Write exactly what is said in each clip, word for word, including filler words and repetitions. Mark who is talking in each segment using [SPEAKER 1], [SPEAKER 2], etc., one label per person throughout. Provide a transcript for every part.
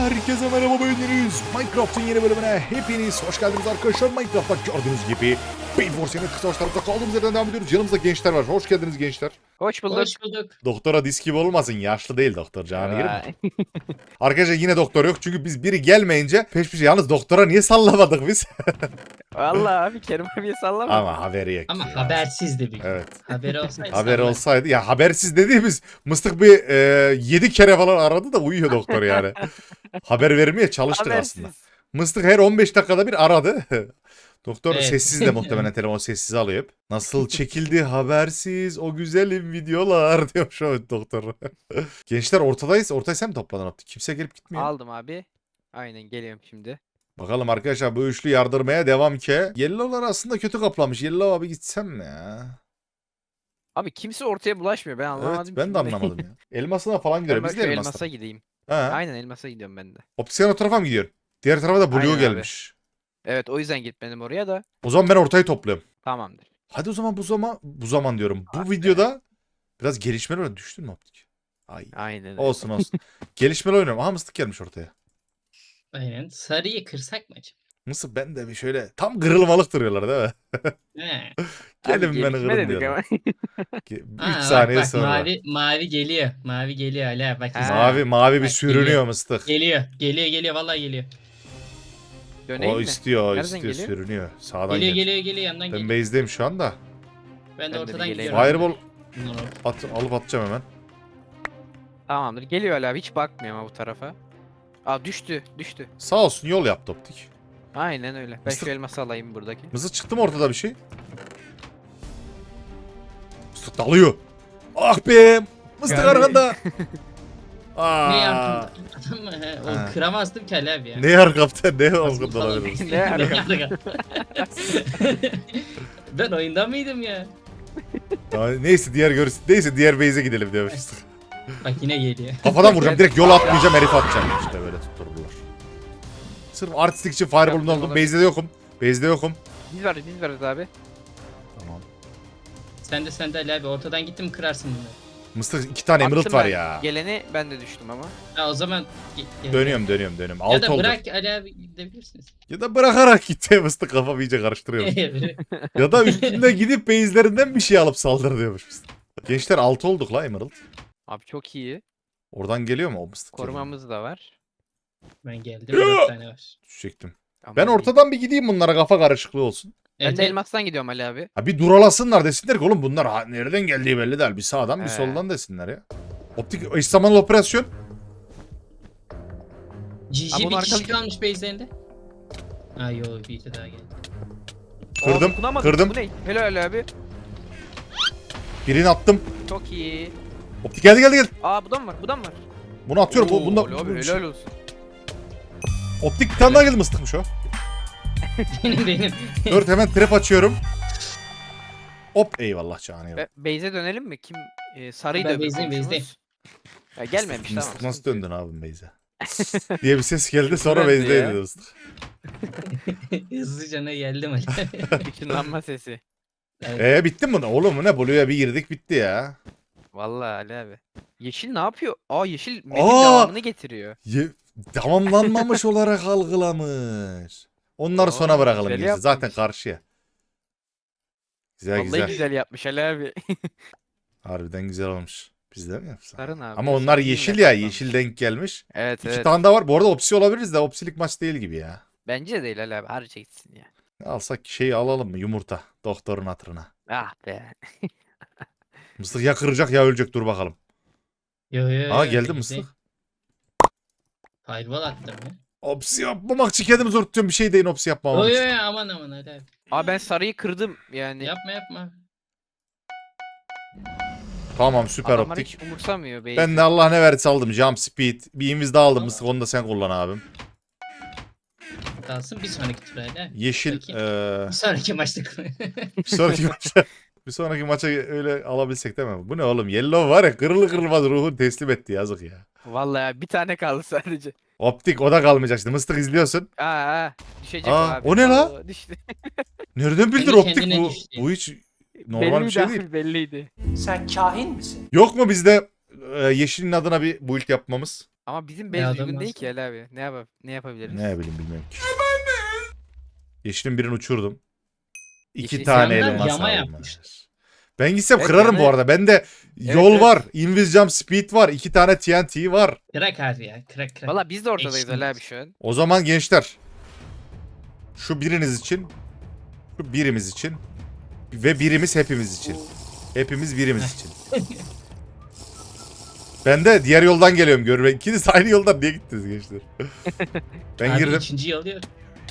[SPEAKER 1] Herkese merhaba, beğendiniz. Minecraft'ın yeni bölümüne hepiniz hoş geldiniz arkadaşlar. Minecraft'ta gördüğünüz gibi Bane Force'nin kısa savaşlarımıza kaldığımız yerden devam ediyoruz. Yanımızda gençler var. Hoş geldiniz gençler.
[SPEAKER 2] Hoş bulduk.
[SPEAKER 3] Hoş bulduk.
[SPEAKER 1] Doktora disk gibi olmasın. Yaşlı değil doktor. Canı girir mi?
[SPEAKER 2] Vay.
[SPEAKER 1] Arkadaşlar yine doktor yok. Çünkü biz biri gelmeyince peş peşe. Yalnız doktora niye sallamadık biz?
[SPEAKER 2] Vallahi abi Kerim abiye sallama.
[SPEAKER 1] Ama haberi yok.
[SPEAKER 3] Ama
[SPEAKER 1] ya.
[SPEAKER 3] habersizdi bir.
[SPEAKER 1] Evet.
[SPEAKER 3] Haberi olsaydı.
[SPEAKER 1] Haberi
[SPEAKER 3] sallak.
[SPEAKER 1] olsaydı. Ya habersiz dediğimiz mıstık bir e, yedi kere falan aradı da uyuyor doktor yani. Haber vermeye çalıştık
[SPEAKER 2] Habersiz.
[SPEAKER 1] aslında. Mıstık her on beş dakikada bir aradı. Doktor
[SPEAKER 3] Evet.
[SPEAKER 1] sessiz de muhtemelen telefon sessiz alıyor hep. Nasıl çekildi habersiz o güzelim videolar diyor şu an doktor. Gençler ortadayız. Ortaya sen mi topladın Optik? Kimse gelip gitmiyor.
[SPEAKER 2] Aldım abi. Aynen geliyorum şimdi.
[SPEAKER 1] Bakalım arkadaşlar bu üçlü yardırmaya devam ki. Yellow'lar aslında kötü kaplamış. Yellow abi gitsem mi ya?
[SPEAKER 2] Abi kimse ortaya bulaşmıyor. Ben anlamadım.
[SPEAKER 1] Evet ben
[SPEAKER 2] ki
[SPEAKER 1] de
[SPEAKER 2] bu ne.
[SPEAKER 1] anlamadım ya. Elmasına falan
[SPEAKER 2] Ben
[SPEAKER 1] gidiyorum.
[SPEAKER 2] bak
[SPEAKER 1] Biz
[SPEAKER 2] şu
[SPEAKER 1] de
[SPEAKER 2] elmasa
[SPEAKER 1] elmasına.
[SPEAKER 2] gideyim.
[SPEAKER 1] Ha.
[SPEAKER 2] Aynen elmasa gidiyorum ben de.
[SPEAKER 1] Optik sen o tarafa mı gidiyorsun? Diğer tarafa da Blue
[SPEAKER 2] Aynen abi.
[SPEAKER 1] gelmiş.
[SPEAKER 2] Evet o yüzden gitmedim oraya da.
[SPEAKER 1] O zaman ben ortayı topluyorum.
[SPEAKER 2] Tamamdır.
[SPEAKER 1] Hadi o zaman bu zaman bu zaman diyorum. Bu
[SPEAKER 2] Ah be.
[SPEAKER 1] videoda biraz gelişmeler var. Düştün mü Optik? Ay.
[SPEAKER 2] Aynen öyle.
[SPEAKER 1] Olsun olsun. Gelişmeler oynuyorum. Aha mıstık gelmiş ortaya.
[SPEAKER 3] Aynen. Sarıyı kırsak mı acaba?
[SPEAKER 1] Mısır ben de bir şöyle tam kırılmalık duruyorlar değil mi?
[SPEAKER 3] He.
[SPEAKER 2] Abi
[SPEAKER 1] Gelin beni
[SPEAKER 2] gelişme
[SPEAKER 1] kırın
[SPEAKER 2] dedik
[SPEAKER 1] diyorlar.
[SPEAKER 2] ama.
[SPEAKER 1] üç
[SPEAKER 3] Aa, bak,
[SPEAKER 1] saniye
[SPEAKER 3] bak,
[SPEAKER 1] sonra.
[SPEAKER 3] Mavi, mavi geliyor. Mavi geliyor hala. Bak,
[SPEAKER 2] Ha.
[SPEAKER 3] izle.
[SPEAKER 1] Mavi mavi bir
[SPEAKER 3] Bak,
[SPEAKER 1] sürünüyor
[SPEAKER 3] geliyor.
[SPEAKER 1] mıstık.
[SPEAKER 3] Geliyor. Geliyor geliyor. Vallahi geliyor.
[SPEAKER 2] Döneyim
[SPEAKER 1] O
[SPEAKER 2] mi?
[SPEAKER 1] istiyor, o
[SPEAKER 2] Nereden
[SPEAKER 1] istiyor,
[SPEAKER 2] geliyor?
[SPEAKER 1] sürünüyor. Sağdan
[SPEAKER 3] Geliyor
[SPEAKER 1] geliyor.
[SPEAKER 3] geliyor geliyor. Yandan
[SPEAKER 1] Ben
[SPEAKER 3] geliyor.
[SPEAKER 1] base'deyim şu anda.
[SPEAKER 3] Ben de
[SPEAKER 2] Ben de
[SPEAKER 3] ortadan
[SPEAKER 2] bir geleyim.
[SPEAKER 3] gidiyorum.
[SPEAKER 1] Fireball
[SPEAKER 3] Bunlar orta.
[SPEAKER 1] at, alıp atacağım hemen.
[SPEAKER 2] Tamamdır. Geliyor hala abi. Hiç bakmıyor ama bu tarafa. Aa düştü. Düştü.
[SPEAKER 1] Sağ olsun yol yaptı Optik.
[SPEAKER 2] Aynen öyle. Ben
[SPEAKER 1] Mısır-
[SPEAKER 2] şu elması alayım buradaki.
[SPEAKER 1] Mısır çıktı mı ortada bir şey? Mısır dalıyor. Ah be! Mısır
[SPEAKER 2] Yani-
[SPEAKER 1] arkanda.
[SPEAKER 3] Ne
[SPEAKER 1] Aa.
[SPEAKER 3] yaptın? Adam mı? He,
[SPEAKER 1] Ha.
[SPEAKER 3] O kıramazdım ki Ali abi ya.
[SPEAKER 1] Ne yar kaptan ne
[SPEAKER 3] Falan.
[SPEAKER 1] olgun olabilir.
[SPEAKER 2] Ne ara-
[SPEAKER 3] Ben oyunda mıydım ya?
[SPEAKER 1] Ya neyse diğer görürsün. Neyse diğer base'e gidelim diyormuşuz.
[SPEAKER 3] Bak yine geliyor.
[SPEAKER 1] Kafadan vuracağım. Direkt yol atmayacağım. Herif atacağım. İşte böyle tuttururlar. Sırf artistik için fireball'un
[SPEAKER 2] Yaptım,
[SPEAKER 1] oldum.
[SPEAKER 2] olabilir.
[SPEAKER 1] Base'de de yokum. Base'de yokum.
[SPEAKER 2] Biz varız biz varız abi.
[SPEAKER 1] Tamam.
[SPEAKER 3] Sen de sen de Ali abi ortadan gittin mi kırarsın bunları.
[SPEAKER 1] Mısır iki tane emerald
[SPEAKER 2] Attım
[SPEAKER 1] var
[SPEAKER 2] ben.
[SPEAKER 1] ya.
[SPEAKER 2] Geleni ben de düştüm ama.
[SPEAKER 3] Ha o zaman ge- gel-
[SPEAKER 1] Dönüyorum dönüyorum dönüyorum.
[SPEAKER 3] Ya
[SPEAKER 1] Alt
[SPEAKER 3] da
[SPEAKER 1] oldu.
[SPEAKER 3] bırak Ali abi gidebilirsiniz.
[SPEAKER 1] Ya da bırakarak gitti. Mıstık kafamı iyice karıştırıyor. Ya da üstünde gidip base'lerinden bir şey alıp saldır diyormuş. Gençler altı olduk la emerald.
[SPEAKER 2] Abi çok iyi.
[SPEAKER 1] Oradan geliyor mu o mıstık?
[SPEAKER 2] Korumamız da var.
[SPEAKER 3] Ben geldim dört tane var.
[SPEAKER 1] Düşecektim.
[SPEAKER 2] Aman
[SPEAKER 1] Ben
[SPEAKER 2] iyi.
[SPEAKER 1] ortadan bir gideyim bunlara kafa karışıklığı olsun.
[SPEAKER 2] Ben
[SPEAKER 3] Evet,
[SPEAKER 2] de
[SPEAKER 3] evet.
[SPEAKER 2] elmastan gidiyorum Ali abi.
[SPEAKER 1] Ha bir duralasınlar desinler ki oğlum bunlar ha, nereden geldiği belli değil. Bir sağdan bir
[SPEAKER 2] He.
[SPEAKER 1] soldan desinler ya. Optik eş zamanlı operasyon.
[SPEAKER 3] G
[SPEAKER 2] Abi
[SPEAKER 3] G
[SPEAKER 2] bunu
[SPEAKER 3] bir kişi
[SPEAKER 2] arkalayacak-
[SPEAKER 3] kalmış base'lerinde. Ha yo bir de daha geldi.
[SPEAKER 1] Kırdım,
[SPEAKER 2] Aa, dokunamadım.
[SPEAKER 1] kırdım.
[SPEAKER 2] Bu ne? Helal Ali abi.
[SPEAKER 1] Birini attım.
[SPEAKER 2] Çok iyi.
[SPEAKER 1] Optik geldi geldi geldi.
[SPEAKER 2] Aa bu da mı var? Bu da mı var?
[SPEAKER 1] Bunu atıyorum. Bu,
[SPEAKER 2] Oo,
[SPEAKER 1] bunda,
[SPEAKER 2] Ali abi helal olsun.
[SPEAKER 1] Optik bir tane daha geldi mıstıkmış o.
[SPEAKER 3] benim benim.
[SPEAKER 1] Dört hemen trap açıyorum. Hop eyvallah canım.
[SPEAKER 2] Be Beyze dönelim mi? Kim? Ee, sarıyı
[SPEAKER 3] Ben
[SPEAKER 2] da öbür
[SPEAKER 3] base'deyim,
[SPEAKER 2] komşumuz.
[SPEAKER 3] base'deyim.
[SPEAKER 2] Ya gelmemiş tamam.
[SPEAKER 1] Mıstık nasıl
[SPEAKER 2] sıkıntı yok.
[SPEAKER 1] döndün abim Beyze? diye bir ses geldi sonra
[SPEAKER 2] Döndü
[SPEAKER 1] Beyze'deydi
[SPEAKER 2] ya.
[SPEAKER 1] mıstık.
[SPEAKER 3] Hızlıca ne geldim Ali.
[SPEAKER 2] Işınlanma sesi.
[SPEAKER 3] Evet.
[SPEAKER 1] Eee bitti mi? Oğlum bu ne? Blue'ya bir girdik bitti ya.
[SPEAKER 2] Vallahi Ali abi. Yeşil ne yapıyor? Aa yeşil metin
[SPEAKER 1] Aa!
[SPEAKER 2] devamını getiriyor.
[SPEAKER 1] Ye- tamamlanmamış olarak algılamış. Onları
[SPEAKER 2] Oo,
[SPEAKER 1] sona bırakalım
[SPEAKER 2] güzel
[SPEAKER 1] gerisi. Zaten
[SPEAKER 2] yapmış.
[SPEAKER 1] karşıya. Güzel
[SPEAKER 2] Vallahi
[SPEAKER 1] güzel.
[SPEAKER 2] güzel. yapmış Ali abi.
[SPEAKER 1] Harbiden güzel olmuş. Biz de mi yapsak?
[SPEAKER 2] Sarın abi.
[SPEAKER 1] Ama onlar
[SPEAKER 2] sarın
[SPEAKER 1] yeşil
[SPEAKER 2] yine
[SPEAKER 1] ya.
[SPEAKER 2] kaplan.
[SPEAKER 1] Yeşil denk gelmiş.
[SPEAKER 2] Evet
[SPEAKER 1] İki
[SPEAKER 2] evet.
[SPEAKER 1] tane daha var. Bu arada opsi olabiliriz de opsilik maç değil gibi ya.
[SPEAKER 2] Bence de değil Ali abi. Harca gitsin ya.
[SPEAKER 1] Alsak şeyi alalım mı? Yumurta. Doktorun hatırına.
[SPEAKER 2] Ah be.
[SPEAKER 1] Mıstık ya kıracak ya ölecek. Dur bakalım.
[SPEAKER 3] Yo yo yo.
[SPEAKER 1] Aa geldi
[SPEAKER 3] base'deyim.
[SPEAKER 1] mıstık.
[SPEAKER 3] Fireball attım ya.
[SPEAKER 1] Opsi yapmamak için kendimi zor tutuyorum. Bir şey deyin opsi yapmamam
[SPEAKER 3] Yo yo
[SPEAKER 1] için.
[SPEAKER 3] yo aman aman Ali abi.
[SPEAKER 2] Aa ben sarıyı kırdım yani.
[SPEAKER 3] Yapma yapma.
[SPEAKER 1] Tamam süper
[SPEAKER 2] Adamlar
[SPEAKER 1] optik.
[SPEAKER 2] hiç umursamıyor Beyze.
[SPEAKER 1] Ben de Allah ne verirse aldım. Jump speed. Bir invis daha aldım mıstık. Onu da sen kullan abim.
[SPEAKER 3] Kalsın bir sonraki tur Ali abi.
[SPEAKER 1] Yeşil.
[SPEAKER 3] Bakayım.
[SPEAKER 1] eee
[SPEAKER 3] Bir sonraki maçta.
[SPEAKER 1] bir sonraki maça. Bir sonraki maça öyle alabilsek değil mi? Bu ne oğlum? Yellow var ya kırılı kırılmaz ruhunu teslim etti yazık ya.
[SPEAKER 2] Vallahi bir tane kaldı sadece.
[SPEAKER 1] Optik o da kalmayacak şimdi. Mıstık izliyorsun.
[SPEAKER 2] Aa, aa düşecek
[SPEAKER 1] Aa,
[SPEAKER 2] o abi.
[SPEAKER 1] o ne la?
[SPEAKER 2] Oo, düştü.
[SPEAKER 1] Nereden bildin
[SPEAKER 3] Kendi
[SPEAKER 1] optik
[SPEAKER 3] kendine
[SPEAKER 1] bu?
[SPEAKER 3] düştü.
[SPEAKER 1] Bu hiç normal bir
[SPEAKER 2] Belliydi
[SPEAKER 1] şey
[SPEAKER 2] abi,
[SPEAKER 1] değil.
[SPEAKER 2] Belliydi.
[SPEAKER 4] Sen kahin misin?
[SPEAKER 1] Yok mu bizde e, yeşilin adına bir build yapmamız?
[SPEAKER 2] Ama bizim
[SPEAKER 3] Ne
[SPEAKER 2] base
[SPEAKER 3] adam
[SPEAKER 2] uygun değil
[SPEAKER 3] varsa.
[SPEAKER 2] ki Ali abi. Ne, yap ne yapabiliriz?
[SPEAKER 1] Ne bileyim bilmiyorum ki. Yeşilin birini uçurdum. İki
[SPEAKER 2] Yeşil
[SPEAKER 1] tane
[SPEAKER 3] yandan
[SPEAKER 1] elmas
[SPEAKER 3] yama
[SPEAKER 1] almış.
[SPEAKER 3] yapmışlar.
[SPEAKER 1] Ben gitsem
[SPEAKER 2] Evet,
[SPEAKER 1] kırarım
[SPEAKER 2] yana-
[SPEAKER 1] bu arada. Bende yol
[SPEAKER 2] evet.
[SPEAKER 1] var. Invis Jump Speed var. iki tane T N T var.
[SPEAKER 3] Kırak abi ya. Kırak kırak.
[SPEAKER 2] Valla biz de ortadayız
[SPEAKER 3] Eşit.
[SPEAKER 2] Ali abi şu an.
[SPEAKER 1] O zaman gençler. Şu biriniz için. Şu birimiz için. Ve birimiz hepimiz için. Hepimiz birimiz için. Ben de diğer yoldan geliyorum görüyorum. İkiniz aynı yoldan niye gittiniz gençler? Ben
[SPEAKER 3] Abi
[SPEAKER 1] girdim.
[SPEAKER 3] ikinciyi alıyor.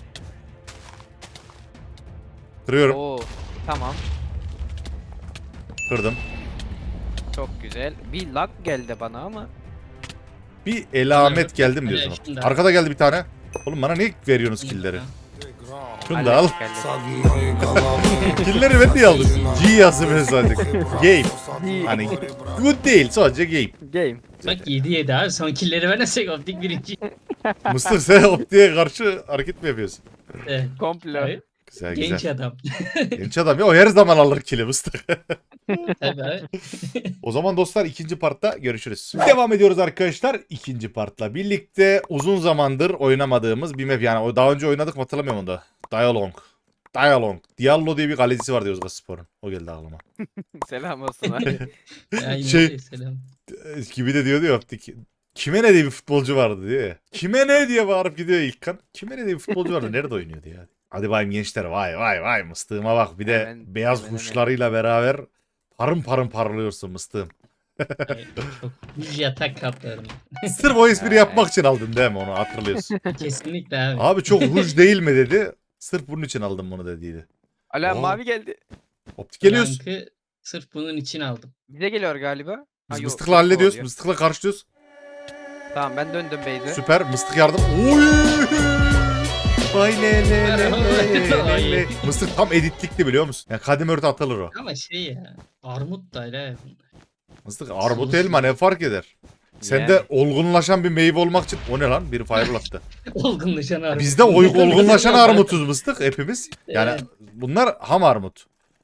[SPEAKER 1] Kırıyorum.
[SPEAKER 2] Oo tamam.
[SPEAKER 1] Kırdım.
[SPEAKER 2] Çok güzel. Bir lag geldi bana ama.
[SPEAKER 1] Bir elamet
[SPEAKER 3] Evet,
[SPEAKER 1] geldim
[SPEAKER 3] evet,
[SPEAKER 1] diyorsun.
[SPEAKER 3] şimdi.
[SPEAKER 1] Arkada geldi bir tane. Oğlum bana niye veriyorsunuz killleri? Şunu da
[SPEAKER 2] Ali
[SPEAKER 1] al.
[SPEAKER 2] geldi.
[SPEAKER 1] Killleri ben niye aldım? G yazdım sadece. Game. Hani good değil sadece game.
[SPEAKER 2] Game.
[SPEAKER 3] Bak yedi yedi abi. Son killleri vermesek optik birinci.
[SPEAKER 1] Mısır sen optiğe karşı hareket mi yapıyorsun?
[SPEAKER 3] Evet.
[SPEAKER 2] Komplo.
[SPEAKER 3] Abi,
[SPEAKER 1] Güzel
[SPEAKER 3] genç
[SPEAKER 1] güzel.
[SPEAKER 3] adam.
[SPEAKER 1] Genç adam ya o her zaman alır kill'i Mısır.
[SPEAKER 3] Tabii abi.
[SPEAKER 1] O zaman dostlar ikinci partta görüşürüz. Devam ediyoruz arkadaşlar ikinci partla birlikte uzun zamandır oynamadığımız bir map yani o daha önce oynadık mı hatırlamıyorum onu da. Dialong. Dialong. Diallo diye bir kalecisi vardı Yozgatspor'un. O geldi aklıma.
[SPEAKER 2] Selam olsun abi.
[SPEAKER 3] Aynen
[SPEAKER 1] Şey-
[SPEAKER 3] öyle, selam.
[SPEAKER 1] Ee, Gibi de diyordu ya optik. Kime ne diye bir futbolcu vardı diyor ya. Kime ne diye bağırıp gidiyor İlkan. Kime ne diye bir futbolcu vardı. Nerede oynuyordu ya? Hadi bayım gençler vay vay vay mıstığıma bak. Bir de
[SPEAKER 2] Hemen-
[SPEAKER 1] beyaz
[SPEAKER 2] hemen, hemen.
[SPEAKER 1] kuşlarıyla beraber parım parım parlıyorsun mıstığım.
[SPEAKER 3] Ay, çok düz yatak kaplarım.
[SPEAKER 1] Sırf o espri yapmak için aldın değil mi onu hatırlıyorsun.
[SPEAKER 3] Kesinlikle abi.
[SPEAKER 1] Abi çok ruj değil mi dedi. Sırf bunun için aldım bunu dediydi.
[SPEAKER 2] Ali abi
[SPEAKER 1] Oo.
[SPEAKER 2] mavi geldi.
[SPEAKER 1] Optik geliyoruz.
[SPEAKER 3] Rankı sırf bunun için aldım.
[SPEAKER 2] Bize geliyor galiba.
[SPEAKER 1] Biz
[SPEAKER 2] Ha, yok,
[SPEAKER 1] mıstıkla
[SPEAKER 2] yok,
[SPEAKER 1] hallediyoruz.
[SPEAKER 2] oluyor.
[SPEAKER 1] Mıstıkla karşılıyoruz.
[SPEAKER 2] Tamam ben döndüm base'e.
[SPEAKER 1] Süper. Mıstık yardım. Oy! Vay le le le le le le. Mıstık tam editlikti biliyor musun? Ya kadim örtü atılır o.
[SPEAKER 3] Ama şey ya. Armut da öyle.
[SPEAKER 1] Mıstık armut elma ne fark eder? Sen
[SPEAKER 2] Yani.
[SPEAKER 1] de olgunlaşan bir meyve olmak için o ne lan? Biri fireball attı.
[SPEAKER 3] Olgunlaşan armut.
[SPEAKER 1] Bizde oy- olgunlaşan armutuz mıstık hepimiz. Yani
[SPEAKER 3] Evet.
[SPEAKER 1] bunlar ham armut.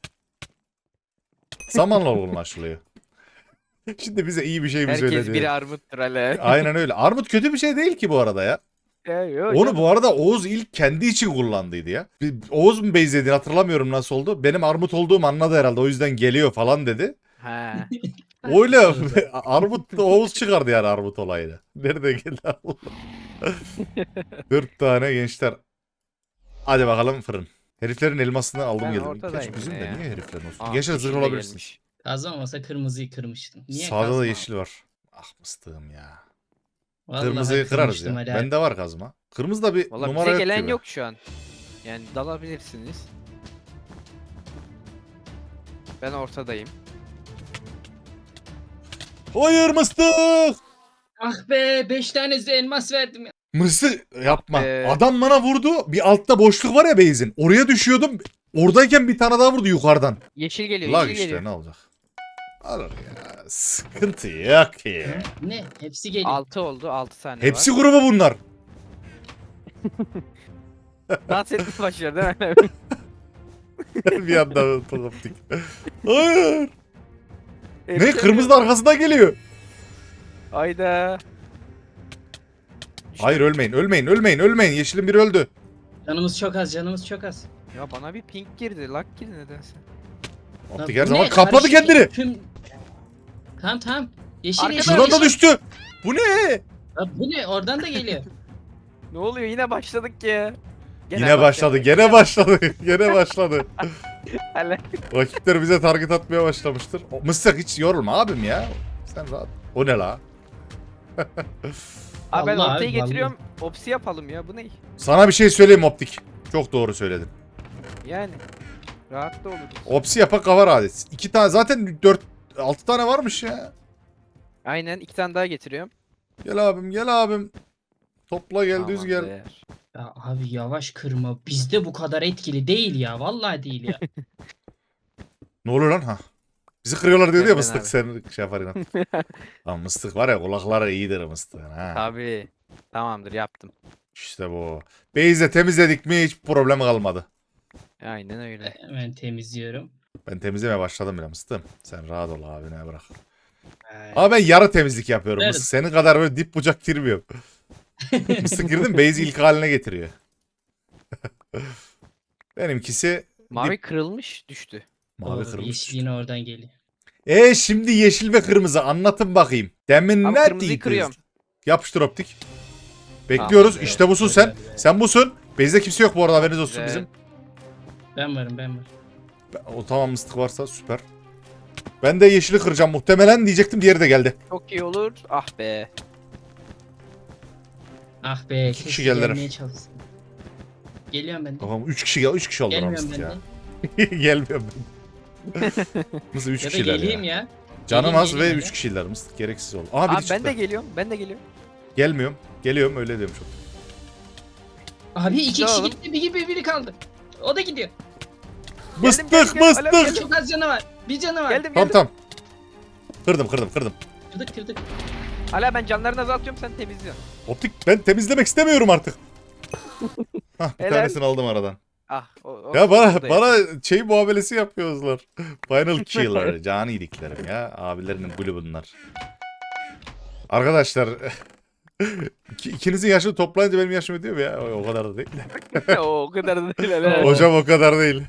[SPEAKER 1] Zamanla olgunlaşılıyor. Şimdi bize iyi bir şey mi
[SPEAKER 2] Herkes
[SPEAKER 1] söyledi?
[SPEAKER 2] biri armuttur Ali.
[SPEAKER 1] Aynen öyle. Armut kötü bir şey değil ki bu arada ya.
[SPEAKER 2] Ya, yok,
[SPEAKER 1] Onu
[SPEAKER 2] yok.
[SPEAKER 1] bu arada Oğuz ilk kendi için kullandıydı ya. Bir- Oğuz mu benzediğini hatırlamıyorum nasıl oldu. Benim armut olduğumu anladı herhalde o yüzden geliyor falan dedi.
[SPEAKER 2] Ha.
[SPEAKER 1] Öyle armut da Oğuz çıkardı yani armut olayını. Nerede geldi Allah. Dört tane gençler. Hadi bakalım fırın. Heriflerin elmasını aldım
[SPEAKER 2] Ben
[SPEAKER 1] geldim.
[SPEAKER 2] ortadayım
[SPEAKER 1] Gerçi bizim
[SPEAKER 2] yine
[SPEAKER 1] de
[SPEAKER 2] ya.
[SPEAKER 1] niye heriflerin olsun?
[SPEAKER 2] Aa,
[SPEAKER 1] Gençler
[SPEAKER 2] yeşil
[SPEAKER 1] zırh
[SPEAKER 2] de
[SPEAKER 1] olabilirsin.
[SPEAKER 2] gelmiş.
[SPEAKER 3] Kazma olmasa kırmızıyı kırmıştım. Niye
[SPEAKER 1] Sağda
[SPEAKER 3] kazma?
[SPEAKER 1] da yeşil var. Ah mıstığım ya.
[SPEAKER 3] Vallahi
[SPEAKER 1] Kırmızıyı kırarız
[SPEAKER 3] kırmıştım
[SPEAKER 1] ya.
[SPEAKER 3] Ali abi.
[SPEAKER 1] Bende var kazma. Kırmızı da bir
[SPEAKER 2] Valla
[SPEAKER 1] numara
[SPEAKER 2] bize
[SPEAKER 1] yok
[SPEAKER 2] gelen
[SPEAKER 1] gibi.
[SPEAKER 2] yok şu an. Yani dalabilirsiniz. Ben ortadayım.
[SPEAKER 1] Hayır mıstık!
[SPEAKER 3] Ah be beş tane elmas verdim ya.
[SPEAKER 1] Mısır yapma.
[SPEAKER 2] Ah be.
[SPEAKER 1] Adam bana vurdu. Bir altta boşluk var ya base'in. Oraya düşüyordum. Oradayken bir tane daha vurdu yukarıdan.
[SPEAKER 2] Yeşil geliyor,
[SPEAKER 1] Lag
[SPEAKER 2] yeşil
[SPEAKER 1] işte
[SPEAKER 2] geliyor.
[SPEAKER 1] ne olacak? Alır ya. Sıkıntı yok ya.
[SPEAKER 3] Ne? Hepsi geliyor.
[SPEAKER 2] altı oldu, altı tane
[SPEAKER 1] Hepsi
[SPEAKER 2] var.
[SPEAKER 1] grubu bunlar.
[SPEAKER 2] Dans etmeye başlıyor değil mi?
[SPEAKER 1] bir anda tokaptık. Hayır. Ne?
[SPEAKER 2] Herif
[SPEAKER 1] Kırmızı da arkasından geliyor.
[SPEAKER 2] Ayda.
[SPEAKER 1] Hayır ölmeyin, ölmeyin, ölmeyin, ölmeyin. Yeşilin biri öldü.
[SPEAKER 3] Canımız çok az canımız çok az.
[SPEAKER 2] Ya bana bir pink girdi, lag girdi nedense.
[SPEAKER 1] Optik
[SPEAKER 3] Ya
[SPEAKER 1] her
[SPEAKER 3] bu
[SPEAKER 1] zaman
[SPEAKER 3] ne?
[SPEAKER 1] kapladı
[SPEAKER 3] Karışık
[SPEAKER 1] kendini.
[SPEAKER 3] Tüm... Tamam tamam. Yeşil
[SPEAKER 2] Arkada
[SPEAKER 3] yeşil
[SPEAKER 1] Şuradan da
[SPEAKER 3] yeşil.
[SPEAKER 1] düştü. Bu ne?
[SPEAKER 3] Ya bu ne? Oradan da geliyor.
[SPEAKER 2] Ne oluyor? Yine başladık ya. Gene
[SPEAKER 1] Yine başladı, gene başladı, gene başladı.
[SPEAKER 2] Hele.
[SPEAKER 1] Rakipler bize target atmaya başlamıştır. O- Mıstık hiç yorulma abim ya. Sen rahat. O ne la?
[SPEAKER 2] Abi ben
[SPEAKER 3] Vallahi
[SPEAKER 2] ortaya
[SPEAKER 3] abi,
[SPEAKER 2] getiriyorum. Opsi yapalım ya. Bu ne?
[SPEAKER 1] Sana bir şey söyleyeyim Optik. Çok doğru söyledin.
[SPEAKER 2] Yani. Rahat da oluruz.
[SPEAKER 1] Opsi yapak kavar adet. İki tane zaten dört altı tane varmış ya.
[SPEAKER 2] Aynen iki tane daha getiriyorum.
[SPEAKER 1] Gel abim gel abim. Topla gel düz gel.
[SPEAKER 2] Tamamdır.
[SPEAKER 3] Ya abi yavaş kırma. Bizde bu kadar etkili değil ya. Vallahi değil ya.
[SPEAKER 1] Ne oluyor lan ha? Bizi kırıyorlar diyor ya
[SPEAKER 2] Benden
[SPEAKER 1] mıstık
[SPEAKER 2] abi.
[SPEAKER 1] sen şey yapar inan. Lan mıstık var ya kulakları iyidir mıstığın ha.
[SPEAKER 2] Tabii. Tamamdır yaptım.
[SPEAKER 1] İşte bu. Beyze temizledik mi hiç problem kalmadı.
[SPEAKER 2] Aynen öyle.
[SPEAKER 3] Hemen temizliyorum.
[SPEAKER 1] Ben temizlemeye başladım bile mıstığım. Sen rahat ol abi ne bırak.
[SPEAKER 3] Ee,
[SPEAKER 1] Ama ben yarı temizlik yapıyorum.
[SPEAKER 3] Evet.
[SPEAKER 1] Mısır senin kadar böyle dip bucak girmiyorum. Mısır girdin base'i ilk haline getiriyor. Benimkisi
[SPEAKER 2] Mavi
[SPEAKER 1] dip.
[SPEAKER 2] kırılmış düştü.
[SPEAKER 1] Mavi
[SPEAKER 3] Oo,
[SPEAKER 1] kırmızı.
[SPEAKER 3] yeşil yine oradan geliyor.
[SPEAKER 1] E şimdi yeşil ve kırmızı anlatın bakayım. Demin
[SPEAKER 2] Abi
[SPEAKER 1] ne
[SPEAKER 2] kırmızıyı
[SPEAKER 1] değildiniz?
[SPEAKER 2] kırıyorum.
[SPEAKER 1] Yapıştır optik. Bekliyoruz.
[SPEAKER 2] Tamam,
[SPEAKER 1] işte busun sen.
[SPEAKER 3] evet.
[SPEAKER 1] Sen busun. Base'de kimse yok bu arada haberiniz olsun
[SPEAKER 2] Güzel.
[SPEAKER 1] bizim.
[SPEAKER 3] Ben varım ben varım.
[SPEAKER 1] O tamam mıstık varsa süper. Ben de yeşili kıracağım muhtemelen diyecektim diğeri de geldi.
[SPEAKER 2] Çok iyi olur. Ah be.
[SPEAKER 3] Ah be.
[SPEAKER 1] İki kişi
[SPEAKER 3] keşke
[SPEAKER 1] geldiler.
[SPEAKER 3] gelmeye çalışsın. Geliyorum ben de.
[SPEAKER 1] Tamam üç kişi gel üç kişi oldular
[SPEAKER 3] Gelmiyorum
[SPEAKER 1] mıstık
[SPEAKER 3] ben
[SPEAKER 1] ya.
[SPEAKER 3] de.
[SPEAKER 1] Gelmiyorum ben. Nasıl üç
[SPEAKER 3] Ya da
[SPEAKER 1] kişiler
[SPEAKER 3] geleyim
[SPEAKER 1] ya.
[SPEAKER 3] ya.
[SPEAKER 1] Canım
[SPEAKER 3] Geleyim,
[SPEAKER 1] az ve
[SPEAKER 3] geleyim
[SPEAKER 1] üç
[SPEAKER 3] ya.
[SPEAKER 1] kişiler mıstık gereksiz oldu. Aha biri
[SPEAKER 2] Abi
[SPEAKER 1] çıktı.
[SPEAKER 2] ben de geliyorum. Ben de geliyorum.
[SPEAKER 1] Gelmiyorum. Geliyorum öyle demiş o.
[SPEAKER 3] Abi iki
[SPEAKER 2] Ne
[SPEAKER 3] kişi
[SPEAKER 2] oğlum?
[SPEAKER 3] gitti bir gibi biri kaldı. O da gidiyor.
[SPEAKER 1] Mıstık
[SPEAKER 2] geldim, geldim. Alo,
[SPEAKER 1] mıstık.
[SPEAKER 2] geldim.
[SPEAKER 3] Çok az canı var. Bir canı var.
[SPEAKER 2] Geldim
[SPEAKER 1] Tamam
[SPEAKER 2] geldim.
[SPEAKER 1] tamam. Kırdım kırdım kırdım.
[SPEAKER 3] Kırdık kırdık.
[SPEAKER 2] Hala ben canlarını azaltıyorum sen temizliyorsun.
[SPEAKER 1] Optik ben temizlemek istemiyorum artık. Hah bir
[SPEAKER 2] Helal.
[SPEAKER 1] tanesini aldım aradan.
[SPEAKER 2] Ah o, o
[SPEAKER 1] Ya bana
[SPEAKER 2] o da
[SPEAKER 1] bana şey muamelesi yapıyorlar. Final killer. Canı iyiliklerim ya. Abilerinin gülü bunlar. Arkadaşlar iki- ikinizin yaşını toplayınca benim yaşım ödüyor mu ya? O, o kadar da değil.
[SPEAKER 2] yapıyor. o kadar da değil helal.
[SPEAKER 1] Hocam o kadar değil.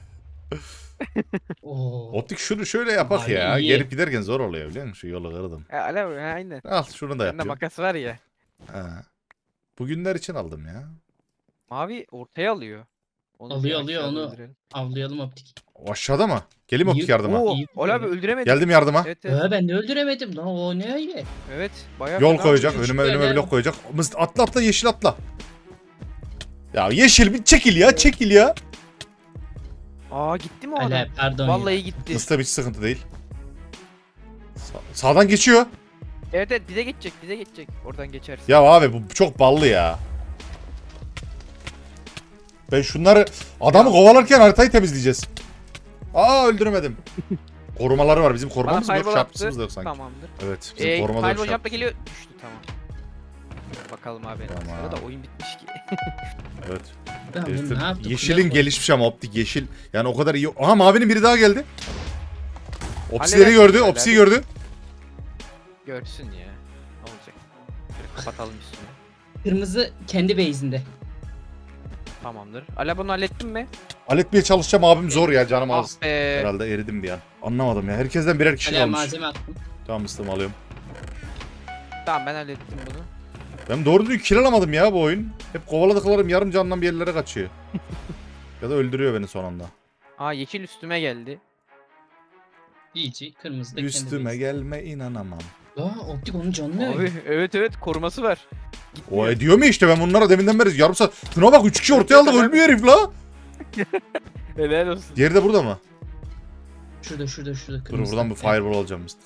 [SPEAKER 3] Oo.
[SPEAKER 1] Optik şunu şöyle yapak
[SPEAKER 3] Abi
[SPEAKER 1] ya.
[SPEAKER 3] iyi.
[SPEAKER 1] Gelip giderken zor oluyor biliyor musun? Şu yolu kırdım.
[SPEAKER 2] Ha, Hala ha, aynen.
[SPEAKER 1] Al şunu da
[SPEAKER 2] Bende
[SPEAKER 1] yapıyorum.
[SPEAKER 2] makas var ya.
[SPEAKER 1] Ha. Bugünler için aldım ya.
[SPEAKER 2] Mavi ortaya alıyor. Onu
[SPEAKER 3] Alıyor,
[SPEAKER 2] bir
[SPEAKER 3] alıyor,
[SPEAKER 2] aşağıda
[SPEAKER 3] onu-
[SPEAKER 2] öldürelim.
[SPEAKER 3] Avlayalım optik.
[SPEAKER 1] O aşağıda mı? Geleyim optik
[SPEAKER 3] İyi.
[SPEAKER 1] yardıma.
[SPEAKER 2] Oo,
[SPEAKER 3] İyi
[SPEAKER 2] Hala abi
[SPEAKER 3] vuruyor.
[SPEAKER 2] öldüremedik.
[SPEAKER 1] Geldim yardıma.
[SPEAKER 2] Evet evet.
[SPEAKER 3] Ee, ben de öldüremedim lan o ne öyle?
[SPEAKER 2] Evet. Bayağı
[SPEAKER 1] Yol
[SPEAKER 2] fena
[SPEAKER 1] koyacak.
[SPEAKER 2] vuruyor.
[SPEAKER 1] Önüme
[SPEAKER 3] Şöyle.
[SPEAKER 1] önüme blok koyacak. Mıst atla atla yeşil atla. Ya yeşil bir çekil ya çekil ya.
[SPEAKER 2] Aa gitti mi o adam?
[SPEAKER 3] Hala pardon
[SPEAKER 2] Vallahi
[SPEAKER 3] ya.
[SPEAKER 2] gitti.
[SPEAKER 1] Mıstık hiç sıkıntı değil. Sa- sağdan geçiyor.
[SPEAKER 2] Evet evet bize geçecek bize geçecek. Oradan geçersin.
[SPEAKER 1] Ya abi bu çok ballı ya. Ben şunları adamı kovalarken haritayı temizleyeceğiz. Aa öldüremedim. Korumaları var bizim
[SPEAKER 2] Bana
[SPEAKER 1] korumamız mı yok
[SPEAKER 2] fireball
[SPEAKER 1] şarpımız
[SPEAKER 2] attı.
[SPEAKER 1] da yok sanki.
[SPEAKER 2] Tamamdır.
[SPEAKER 1] Evet bizim
[SPEAKER 2] Ee,
[SPEAKER 1] korumada yok
[SPEAKER 2] fireball jump da
[SPEAKER 1] şarpımız.
[SPEAKER 2] geliyor. Düştü tamam. Bakalım abi.
[SPEAKER 1] Tamam.
[SPEAKER 2] Sırada oyun bitmiş ki.
[SPEAKER 1] Evet.
[SPEAKER 3] Ben bunu
[SPEAKER 1] Herifin-
[SPEAKER 3] ne yaptık?
[SPEAKER 1] yeşilin
[SPEAKER 3] Kulak oldu.
[SPEAKER 1] gelişmiş ama optik yeşil. Yani o kadar iyi. Aha mavinin biri daha geldi. Opsileri
[SPEAKER 2] Hallederiz
[SPEAKER 1] gördü.
[SPEAKER 2] hala.
[SPEAKER 1] Opsiyi gördü.
[SPEAKER 2] Görsün ya. Ne olacak? Şöyle kapatalım üstünü.
[SPEAKER 3] Kırmızı kendi base'inde.
[SPEAKER 2] Tamamdır. Ala bunu hallettin mi?
[SPEAKER 1] Halletmeye çalışacağım abim zor ya canım az.
[SPEAKER 2] Ah be.
[SPEAKER 1] Herhalde eridim bir an. Anlamadım ya. Herkesten birer kişi
[SPEAKER 3] Hala
[SPEAKER 1] kalmış.
[SPEAKER 3] malzeme attım.
[SPEAKER 1] Tamam mıstım alıyorum.
[SPEAKER 2] Tamam ben hallettim bunu.
[SPEAKER 1] Ben doğru düzgün kill alamadım ya bu oyun. Hep kovaladıklarım yarım candan bir yerlere kaçıyor. Ya da öldürüyor beni son anda.
[SPEAKER 2] Aa yeşil üstüme geldi.
[SPEAKER 3] İyice kırmızı da kendi
[SPEAKER 1] Üstüme
[SPEAKER 3] base.
[SPEAKER 1] gelme inanamam.
[SPEAKER 3] Aa optik onun canı ne
[SPEAKER 2] Abi
[SPEAKER 3] öyle?
[SPEAKER 2] evet evet koruması var.
[SPEAKER 1] O
[SPEAKER 2] Gitmiyor.
[SPEAKER 1] ediyor mu işte ben bunlara deminden beri yarım saat. Şuna bak üç kişi ortaya aldık ölmüyor herif la.
[SPEAKER 2] Helal olsun.
[SPEAKER 1] Diğeri de burada mı?
[SPEAKER 3] Şurada şurada şurada
[SPEAKER 1] Dur
[SPEAKER 3] kırmızı.
[SPEAKER 1] buradan bir fireball alacağım mıstık.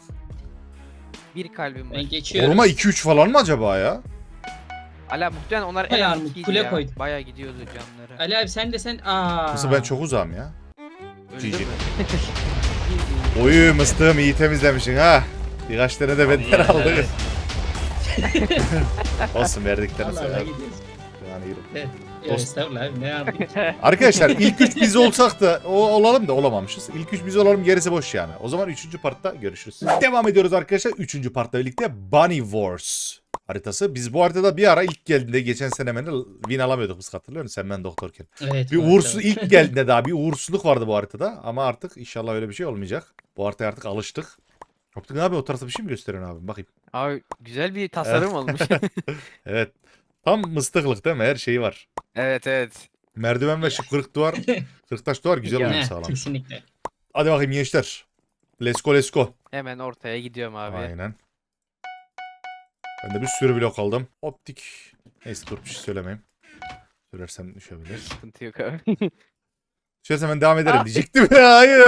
[SPEAKER 2] Bir kalbim var.
[SPEAKER 3] Ben geçiyorum.
[SPEAKER 1] Koruma iki üç falan mı acaba ya?
[SPEAKER 2] Ala muhtemelen onlar en
[SPEAKER 3] Bayağı
[SPEAKER 2] az
[SPEAKER 3] armut,
[SPEAKER 2] ikiydi
[SPEAKER 3] kule
[SPEAKER 2] ya.
[SPEAKER 3] koydu.
[SPEAKER 2] Bayağı gidiyordu canları.
[SPEAKER 3] Ali abi sen de sen aa.
[SPEAKER 1] Nasıl ben çok uzağım ya.
[SPEAKER 2] Öldü
[SPEAKER 1] G G.
[SPEAKER 2] mü?
[SPEAKER 1] Oyu mıstığım iyi temizlemişsin ha. Birkaç tane de benden
[SPEAKER 3] Allah
[SPEAKER 1] aldık.
[SPEAKER 3] Allah.
[SPEAKER 1] Olsun verdiklerini
[SPEAKER 3] Allah Allah
[SPEAKER 1] söyler.
[SPEAKER 3] gidiyoruz.
[SPEAKER 1] Yani yürü.
[SPEAKER 3] Evet.
[SPEAKER 1] Olsun.
[SPEAKER 3] Estağfurullah abi ne yapayım?
[SPEAKER 1] Arkadaşlar ilk üç biz olsak da o, olalım da olamamışız. İlk üç biz olalım gerisi boş yani. O zaman üçüncü partta görüşürüz. Devam ediyoruz arkadaşlar. Üçüncü partta birlikte Bunny Wars haritası. Biz bu haritada bir ara ilk geldiğinde geçen sene beni win alamıyorduk biz hatırlıyor musun? Sen ben doktorken.
[SPEAKER 3] Evet.
[SPEAKER 1] Bir
[SPEAKER 3] var,
[SPEAKER 1] uğursuz
[SPEAKER 3] tabii.
[SPEAKER 1] ilk geldiğinde daha bir uğursuzluk vardı bu haritada. Ama artık inşallah öyle bir şey olmayacak. Bu haritaya artık alıştık. Optik abi o tarafta bir şey mi gösteriyorsun abi? Bakayım.
[SPEAKER 2] Abi güzel bir tasarım olmuş.
[SPEAKER 1] Evet. Tam mıstıklık değil mi? Her şeyi var.
[SPEAKER 2] evet evet.
[SPEAKER 1] Merdiven ve şu kırık duvar, kırık taş duvar güzel
[SPEAKER 2] Ya,
[SPEAKER 1] uyum
[SPEAKER 3] Ne,
[SPEAKER 1] sağlamış.
[SPEAKER 3] kesinlikle.
[SPEAKER 1] Hadi bakayım gençler. Let's go let's go.
[SPEAKER 2] Hemen ortaya gidiyorum abi.
[SPEAKER 1] Aynen. Ben de bir sürü blok aldım. Optik. Neyse dur bir şey söylemeyeyim. Söylersem düşebilir.
[SPEAKER 2] Sıkıntı yok abi.
[SPEAKER 1] Söylersem ben devam ederim
[SPEAKER 2] Ah.
[SPEAKER 1] diyecektim. Hayır.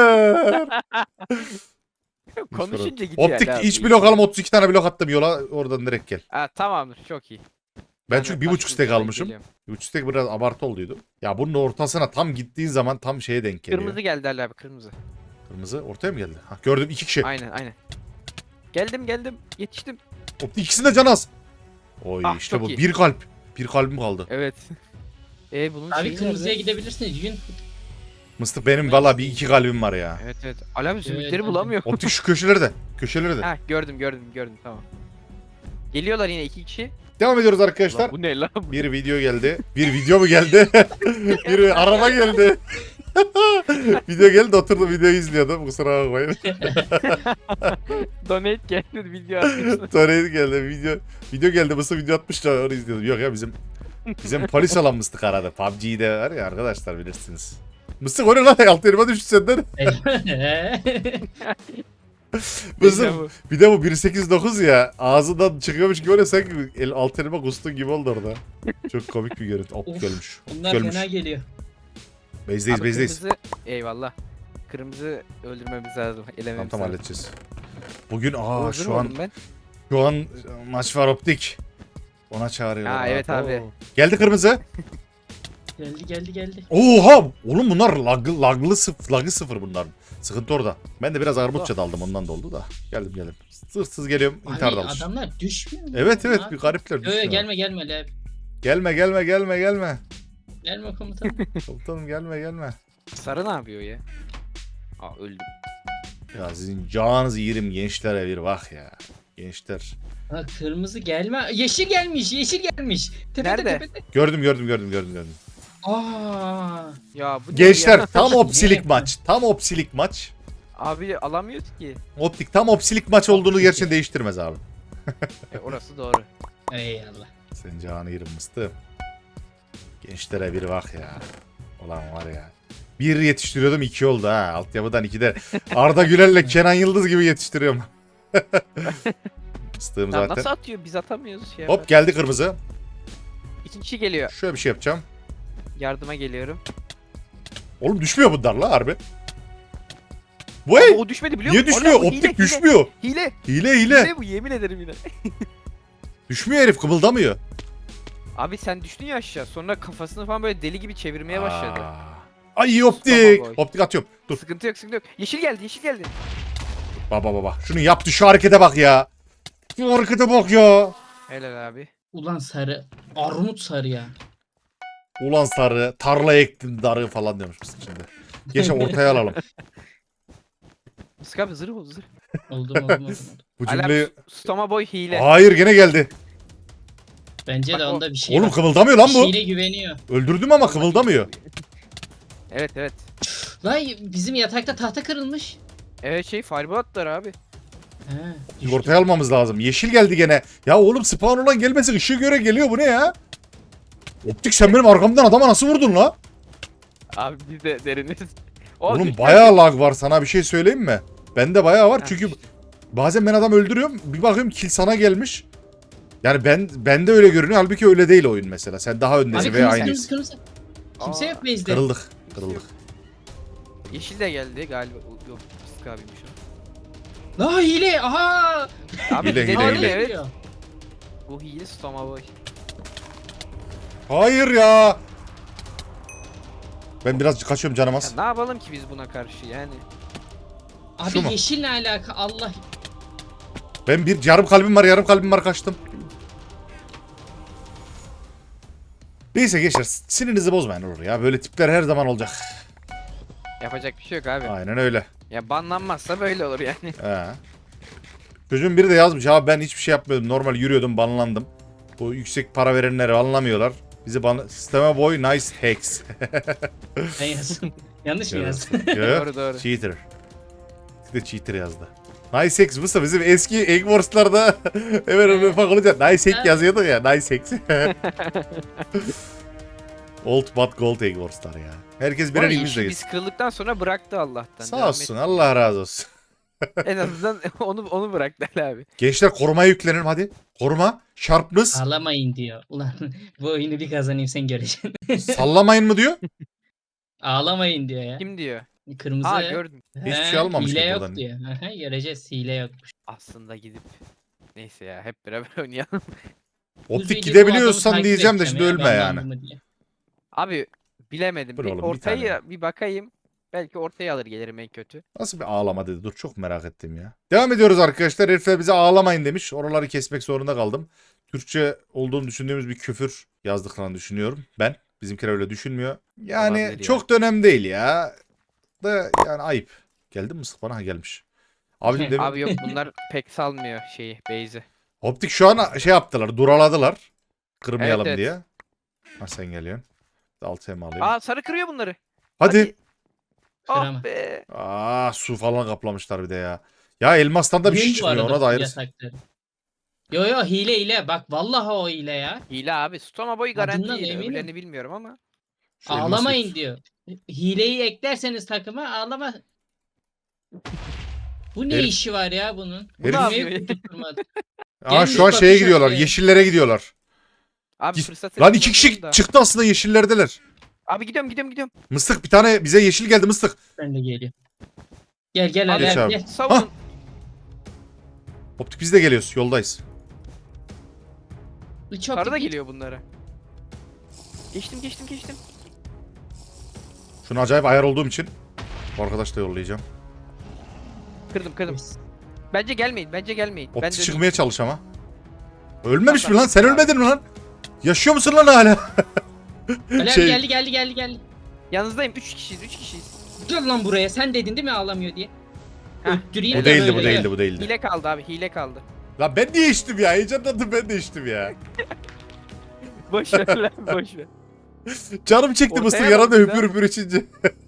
[SPEAKER 2] Konuşunca gidiyor.
[SPEAKER 1] Optik
[SPEAKER 2] Ali abi.
[SPEAKER 1] iç blok alım otuz iki tane blok attım yola oradan direkt gel.
[SPEAKER 2] Ha, tamamdır çok iyi.
[SPEAKER 1] Ben
[SPEAKER 2] de
[SPEAKER 1] çünkü bir buçuk
[SPEAKER 2] taş
[SPEAKER 1] stek
[SPEAKER 2] kılıcına
[SPEAKER 1] almışım.
[SPEAKER 2] geliyorum.
[SPEAKER 1] Bir buçuk stek biraz abartı olduydu. Ya bunun ortasına tam gittiğin zaman tam şeye denk geliyor.
[SPEAKER 2] Kırmızı geldi Ali abi kırmızı.
[SPEAKER 1] Kırmızı ortaya mı geldi? Ha, gördüm iki kişi.
[SPEAKER 2] Aynen aynen. Geldim geldim yetiştim.
[SPEAKER 1] Optik ikisinin de can az. Oy
[SPEAKER 2] Ah,
[SPEAKER 1] işte
[SPEAKER 2] çok
[SPEAKER 1] bu
[SPEAKER 2] iyi.
[SPEAKER 1] bir kalp. Bir kalbim kaldı.
[SPEAKER 2] Evet. E bunun
[SPEAKER 3] Abi
[SPEAKER 2] şeyi
[SPEAKER 3] kırmızıya
[SPEAKER 2] nerede?
[SPEAKER 3] gidebilirsiniz. Yün.
[SPEAKER 1] Mıstık benim valla bir iki kalbim var ya.
[SPEAKER 2] Evet evet. Ali abi zümrütleri
[SPEAKER 3] Evet,
[SPEAKER 2] bulamıyor.
[SPEAKER 1] Optik şu köşelerde. Köşelerde.
[SPEAKER 2] Ha gördüm gördüm gördüm tamam. Geliyorlar yine iki kişi.
[SPEAKER 1] Devam ediyoruz arkadaşlar.
[SPEAKER 2] Lan bu ne lan? Bu-
[SPEAKER 1] Bir video geldi. Bir video mu geldi? Bir araba geldi. Video geldi, oturdum videoyu izliyordum. Kusura bakmayın.
[SPEAKER 2] Donate geldi video atmışsın.
[SPEAKER 1] Sonra geldi video. Video geldi, mısır video atmışlar, onu izliyordum. Yok ya bizim bizim polis olan Mıstık aradı. P U B G'de var ya arkadaşlar, bilirsiniz. Mıstık o ne lan? Altı elma düştü senden. Mıstık bir de bu bir sekiz dokuz ya. Ağzından çıkıyormuş gibi, öyle sanki el, altı elma kustun gibi oldu orada. Çok komik bir görüntü. Optik
[SPEAKER 3] Of,
[SPEAKER 1] ölmüş.
[SPEAKER 3] Bunlar
[SPEAKER 1] Ölmüş.
[SPEAKER 3] fena geliyor.
[SPEAKER 1] Bezdeyiz
[SPEAKER 2] Abi
[SPEAKER 1] bezdeyiz.
[SPEAKER 2] kırmızı- Eyvallah. Kırmızı öldürmemiz lazım.
[SPEAKER 1] Tamam
[SPEAKER 2] Elememiz
[SPEAKER 1] tamam
[SPEAKER 2] lazım.
[SPEAKER 1] halledeceğiz. Bugün aa
[SPEAKER 2] Hazır
[SPEAKER 1] şu
[SPEAKER 2] mı
[SPEAKER 1] an
[SPEAKER 2] oldum ben?
[SPEAKER 1] şu an maç var Optik. Ona çağırıyorlar.
[SPEAKER 2] Ha, evet abi.
[SPEAKER 1] Geldi kırmızı.
[SPEAKER 3] Geldi geldi geldi.
[SPEAKER 1] Oha! Oğlum bunlar lag, laglı sıfır, lagı sıfır bunlar. Sıkıntı orada. Ben de biraz armutça daldım, ondan da oldu da. Geldim geldim. Sırsız geliyorum, intihar
[SPEAKER 3] Abi
[SPEAKER 1] dalmış.
[SPEAKER 3] adamlar düşmüyor mu?
[SPEAKER 1] Evet evet,
[SPEAKER 3] Abi.
[SPEAKER 1] bir garipler
[SPEAKER 3] Yo, yo,
[SPEAKER 1] düşüyor.
[SPEAKER 3] gelme gelme lan.
[SPEAKER 1] Gelme gelme gelme gelme.
[SPEAKER 3] Gelme komutanım.
[SPEAKER 1] Komutanım gelme gelme.
[SPEAKER 2] Sarı ne yapıyor ya? Aa öldüm.
[SPEAKER 1] Ya sizin canınızı yerim gençlere bir bak ya. Gençler.
[SPEAKER 3] Ha, kırmızı gelme. Yeşil gelmiş yeşil gelmiş. Tepede,
[SPEAKER 2] Nerede?
[SPEAKER 3] tepede.
[SPEAKER 1] Gördüm gördüm gördüm gördüm gördüm.
[SPEAKER 3] Aa.
[SPEAKER 2] Ya bu ne
[SPEAKER 1] Gençler
[SPEAKER 2] ya?
[SPEAKER 1] tam opsilik maç. Tam opsilik maç.
[SPEAKER 2] Abi alamıyoruz ki.
[SPEAKER 1] Optik tam opsilik maç olduğunu gerçekten değiştirmez abi.
[SPEAKER 2] E, orası doğru.
[SPEAKER 3] Eyvallah.
[SPEAKER 1] Sen canı yerim mıstı. Gençlere bir bak ya. Ulan var ya. Bir yetiştiriyordum, iki oldu ha. Altyapıdan iki de. Arda Güler'le Kenan Yıldız gibi yetiştiriyorum. Mıstığım
[SPEAKER 2] Lan
[SPEAKER 1] zaten.
[SPEAKER 2] nasıl atıyor? Biz atamıyoruz şey.
[SPEAKER 1] Hop geldi kırmızı.
[SPEAKER 2] İkinci kişi geliyor.
[SPEAKER 1] Şöyle bir şey yapacağım.
[SPEAKER 2] Yardıma geliyorum.
[SPEAKER 1] Oğlum düşmüyor bunlar la harbi. Bu
[SPEAKER 2] Abi
[SPEAKER 1] ey!
[SPEAKER 2] o düşmedi biliyor
[SPEAKER 1] Niye
[SPEAKER 2] musun?
[SPEAKER 1] düşmüyor?
[SPEAKER 2] Allah, bu
[SPEAKER 1] Optik
[SPEAKER 2] hile,
[SPEAKER 1] düşmüyor.
[SPEAKER 2] Hile.
[SPEAKER 1] Hile
[SPEAKER 2] Hile.
[SPEAKER 1] hile.
[SPEAKER 2] Hile bu yemin ederim yine.
[SPEAKER 1] Düşmüyor herif, kımıldamıyor.
[SPEAKER 2] Abi sen düştün ya aşağı. Sonra kafasını falan böyle deli gibi çevirmeye başladı.
[SPEAKER 1] Aa. Ay iyi optik.
[SPEAKER 2] Tamam, boy.
[SPEAKER 1] Optik atıyorum. Dur.
[SPEAKER 2] Sıkıntı yok sıkıntı yok. Yeşil geldi yeşil geldi.
[SPEAKER 1] Baba baba. Şunu yaptı, şu harekete bak ya. Şu harekete bak ya.
[SPEAKER 2] Helal abi.
[SPEAKER 3] Ulan sarı. Armut sarı ya.
[SPEAKER 1] Ulan sarı, tarla ektim darı falan diyormuş mısın şimdi. Geçen ortaya alalım.
[SPEAKER 2] Sık abi zırh ol zırh.
[SPEAKER 3] Oldum oldum oldum. oldum.
[SPEAKER 1] Bu
[SPEAKER 2] Alarm
[SPEAKER 1] cümleyi...
[SPEAKER 2] Stoma boy hile.
[SPEAKER 1] Hayır gene geldi.
[SPEAKER 3] Bence
[SPEAKER 2] Bak
[SPEAKER 3] de
[SPEAKER 2] o-
[SPEAKER 3] onda bir şey
[SPEAKER 1] Oğlum
[SPEAKER 3] var.
[SPEAKER 1] kımıldamıyor lan bu.
[SPEAKER 3] Şeyine güveniyor.
[SPEAKER 1] Öldürdüm ama kımıldamıyor.
[SPEAKER 2] Evet evet.
[SPEAKER 3] Lan bizim yatakta tahta kırılmış.
[SPEAKER 2] Evet şey fireball attılar abi.
[SPEAKER 3] He.
[SPEAKER 1] Ortaya almamız lazım. Yeşil geldi gene. Ya oğlum spawn olan gelmesin, ışığı göre geliyor, bu ne ya? Optik sen benim arkamdan adama nasıl vurdun la?
[SPEAKER 2] Abi biz de deriniz. O
[SPEAKER 1] Oğlum
[SPEAKER 2] düşman-
[SPEAKER 1] bayağı lag var, sana bir şey söyleyeyim mi? Bende bayağı var
[SPEAKER 2] Ha,
[SPEAKER 1] çünkü
[SPEAKER 2] işte.
[SPEAKER 1] bazen ben adam öldürüyorum, bir bakıyorum kill sana gelmiş. Yani ben bende öyle görünüyor, halbuki öyle değil oyun mesela. Sen daha öndesin
[SPEAKER 3] Abi
[SPEAKER 1] veya
[SPEAKER 3] kırmızı
[SPEAKER 1] aynıyız.
[SPEAKER 3] kırmızı kırmızı. Kimse
[SPEAKER 2] Aa,
[SPEAKER 3] yok base'de.
[SPEAKER 1] Kırıldık, kırıldık.
[SPEAKER 2] Yeşil de geldi galiba. O- Yok Sık abiymiş o.
[SPEAKER 3] La hile aha.
[SPEAKER 2] Abi
[SPEAKER 1] Hile,
[SPEAKER 2] hile,
[SPEAKER 1] hile,
[SPEAKER 2] hile,
[SPEAKER 1] hile.
[SPEAKER 2] evet. Bu hile stoma boy.
[SPEAKER 1] Hayır ya. Ben biraz kaçıyorum, canım
[SPEAKER 2] Ya
[SPEAKER 1] az.
[SPEAKER 2] ne yapalım ki biz buna karşı yani.
[SPEAKER 3] Abi
[SPEAKER 1] Şu mu?
[SPEAKER 3] yeşil ne alaka Allah.
[SPEAKER 1] Ben bir yarım kalbim var, yarım kalbim var, kaçtım. Neyse gençler, sinirinizi bozmayın olur ya. Böyle tipler her zaman olacak.
[SPEAKER 2] Yapacak bir şey yok abi.
[SPEAKER 1] Aynen öyle.
[SPEAKER 2] Ya banlanmazsa böyle olur yani.
[SPEAKER 1] He. Çocuğun biri de yazmış abi, ben hiçbir şey yapmıyordum. Normal yürüyordum, banlandım. Bu yüksek para verenleri anlamıyorlar. Bizi ban... Sisteme boy nice hacks.
[SPEAKER 3] Ben yazdım. Yanlış mı yazdım?
[SPEAKER 2] Doğru, doğru.
[SPEAKER 1] Cheater. Bir de cheater yazdı. Nice hacks bu bizim eski Egg Wars'larda hemen öyle ufak olunca nice hack yazıyorduk ya. Nice hacks. Old but gold Egg Wars'lar ya. Herkes birer
[SPEAKER 2] Ama
[SPEAKER 1] ilmizle
[SPEAKER 2] işi
[SPEAKER 1] gitsin.
[SPEAKER 2] biz kırıldıktan sonra bıraktı Allah'tan.
[SPEAKER 1] Sağ
[SPEAKER 2] Devam
[SPEAKER 1] olsun,
[SPEAKER 2] et.
[SPEAKER 1] Allah razı olsun.
[SPEAKER 2] En azından onu onu bıraktı abi.
[SPEAKER 1] Gençler korumaya yüklenelim hadi. Koruma, sharpness,
[SPEAKER 3] Ağlamayın diyor. Ulan bu oyunu bir kazanayım sen göreceksin.
[SPEAKER 1] sallamayın mı diyor?
[SPEAKER 3] Ağlamayın diyor ya.
[SPEAKER 2] Kim diyor?
[SPEAKER 3] Kırmızı.
[SPEAKER 2] Aa gördüm.
[SPEAKER 1] Hiçbir
[SPEAKER 3] He,
[SPEAKER 1] şey almamış
[SPEAKER 3] hile
[SPEAKER 1] ki
[SPEAKER 3] yok
[SPEAKER 1] buradan.
[SPEAKER 3] diyor. Aha, göreceğiz hile yokmuş.
[SPEAKER 2] Aslında gidip neyse ya hep beraber oynayalım.
[SPEAKER 1] Optik
[SPEAKER 3] Düzgün
[SPEAKER 1] gidebiliyorsan
[SPEAKER 3] bu adamı
[SPEAKER 1] diyeceğim de
[SPEAKER 3] takip
[SPEAKER 1] şimdi
[SPEAKER 3] edeceğim
[SPEAKER 1] ölme
[SPEAKER 3] ya,
[SPEAKER 1] yani.
[SPEAKER 3] banlandı mı diye.
[SPEAKER 2] Abi bilemedim.
[SPEAKER 1] Dur
[SPEAKER 2] Bir
[SPEAKER 1] oğlum, bir
[SPEAKER 2] ortayı
[SPEAKER 1] tane.
[SPEAKER 2] bir bakayım. Belki ortaya alır gelirim en kötü.
[SPEAKER 1] Nasıl bir ağlama dedi, dur çok merak ettim ya. Devam ediyoruz arkadaşlar. Herifler bize ağlamayın demiş. Oraları kesmek zorunda kaldım. Türkçe olduğunu düşündüğümüz bir küfür yazdıklarını düşünüyorum ben. Bizimkiler öyle düşünmüyor. Yani
[SPEAKER 2] Olabilir ya.
[SPEAKER 1] çok da önemli değil ya. da yani ayıp. Geldi mi mıstık bana? Ha, gelmiş. Abi demin
[SPEAKER 2] Abi yok bunlar pek salmıyor şeyi base'i.
[SPEAKER 1] Optik şu an şey yaptılar. Duraladılar. Kırmayalım
[SPEAKER 2] Evet, evet.
[SPEAKER 1] diye. Ha sen geliyorsun. Altı hem alayım.
[SPEAKER 2] Aa sarı kırıyor bunları.
[SPEAKER 1] Hadi.
[SPEAKER 3] Kırama.
[SPEAKER 2] Ah be.
[SPEAKER 1] Aa su falan kaplamışlar bir de ya. Ya elmastan da bir şey
[SPEAKER 3] Oyun bu
[SPEAKER 1] çıkmıyor.
[SPEAKER 3] arada
[SPEAKER 1] Ona da ayrı.
[SPEAKER 3] yasakları. Yo yo hile hile. Bak vallahi o hile ya.
[SPEAKER 2] Hile abi. Stoma boy garanti
[SPEAKER 3] Adından
[SPEAKER 2] hile.
[SPEAKER 3] eminim.
[SPEAKER 2] Öbürlerini bilmiyorum ama.
[SPEAKER 1] Şu elması
[SPEAKER 3] Ağlamayın
[SPEAKER 1] getir.
[SPEAKER 3] diyor. Hileyi eklerseniz takıma ağlama. Bu ne
[SPEAKER 1] Herif-
[SPEAKER 3] işi var ya bunun?
[SPEAKER 1] Herif-
[SPEAKER 3] Bunu
[SPEAKER 2] Ne
[SPEAKER 3] niye
[SPEAKER 2] yapıyor?
[SPEAKER 3] tutturmadı?
[SPEAKER 1] Aa
[SPEAKER 3] Gelmiş
[SPEAKER 1] şu an şeye
[SPEAKER 3] bakış
[SPEAKER 1] gidiyorlar.
[SPEAKER 3] atıyor.
[SPEAKER 1] Yeşillere gidiyorlar.
[SPEAKER 2] Abi
[SPEAKER 1] Git-
[SPEAKER 2] fırsatı
[SPEAKER 1] Lan iki kişi
[SPEAKER 2] kullanıyorum da.
[SPEAKER 1] çıktı aslında yeşillerdeler.
[SPEAKER 2] Abi gidiyorum gidiyorum gidiyorum.
[SPEAKER 1] Mıstık bir tane bize yeşil geldi mıstık.
[SPEAKER 3] Ben de geliyorum. Gel gel
[SPEAKER 2] Abi,
[SPEAKER 3] Ali
[SPEAKER 1] Geç
[SPEAKER 3] abi
[SPEAKER 1] abi.
[SPEAKER 3] gel.
[SPEAKER 2] Savunun.
[SPEAKER 1] Optik biz de geliyoruz. Yoldayız.
[SPEAKER 3] Çok
[SPEAKER 2] Sarı da
[SPEAKER 3] git.
[SPEAKER 2] geliyor bunlara. Geçtim geçtim geçtim.
[SPEAKER 1] Şunu acayip ayar olduğum için bu arkadaş da yollayacağım.
[SPEAKER 2] Kırdım kırdım. Bence gelmeyin bence gelmeyin. Ben
[SPEAKER 1] Optik
[SPEAKER 2] de
[SPEAKER 1] çıkmaya çalış ama. Ölmemiş
[SPEAKER 2] Bak,
[SPEAKER 1] mi lan? Sen
[SPEAKER 2] bak.
[SPEAKER 1] ölmedin mi lan? Yaşıyor musun lan hala?
[SPEAKER 3] Ali abi
[SPEAKER 1] Şey-
[SPEAKER 3] geldi geldi geldi geldi.
[SPEAKER 2] yanınızdayım. üç kişiyiz üç kişiyiz.
[SPEAKER 3] Gel lan buraya. Sen dedin değil mi ağlamıyor diye.
[SPEAKER 2] Heh.
[SPEAKER 3] Öttüreyim
[SPEAKER 1] Bu
[SPEAKER 3] de
[SPEAKER 1] değildi bu
[SPEAKER 3] böyle.
[SPEAKER 1] değildi bu değildi.
[SPEAKER 2] Hile kaldı abi hile kaldı.
[SPEAKER 1] Lan ben niye içtim ya? Heyecanlandım ben de içtim ya.
[SPEAKER 2] Boş ver lan boş ver.
[SPEAKER 1] Canım çekti
[SPEAKER 2] Ortaya
[SPEAKER 1] mısır
[SPEAKER 2] bak
[SPEAKER 1] yaran da
[SPEAKER 2] bir
[SPEAKER 1] hüpür
[SPEAKER 2] daha.
[SPEAKER 1] hüpür içince.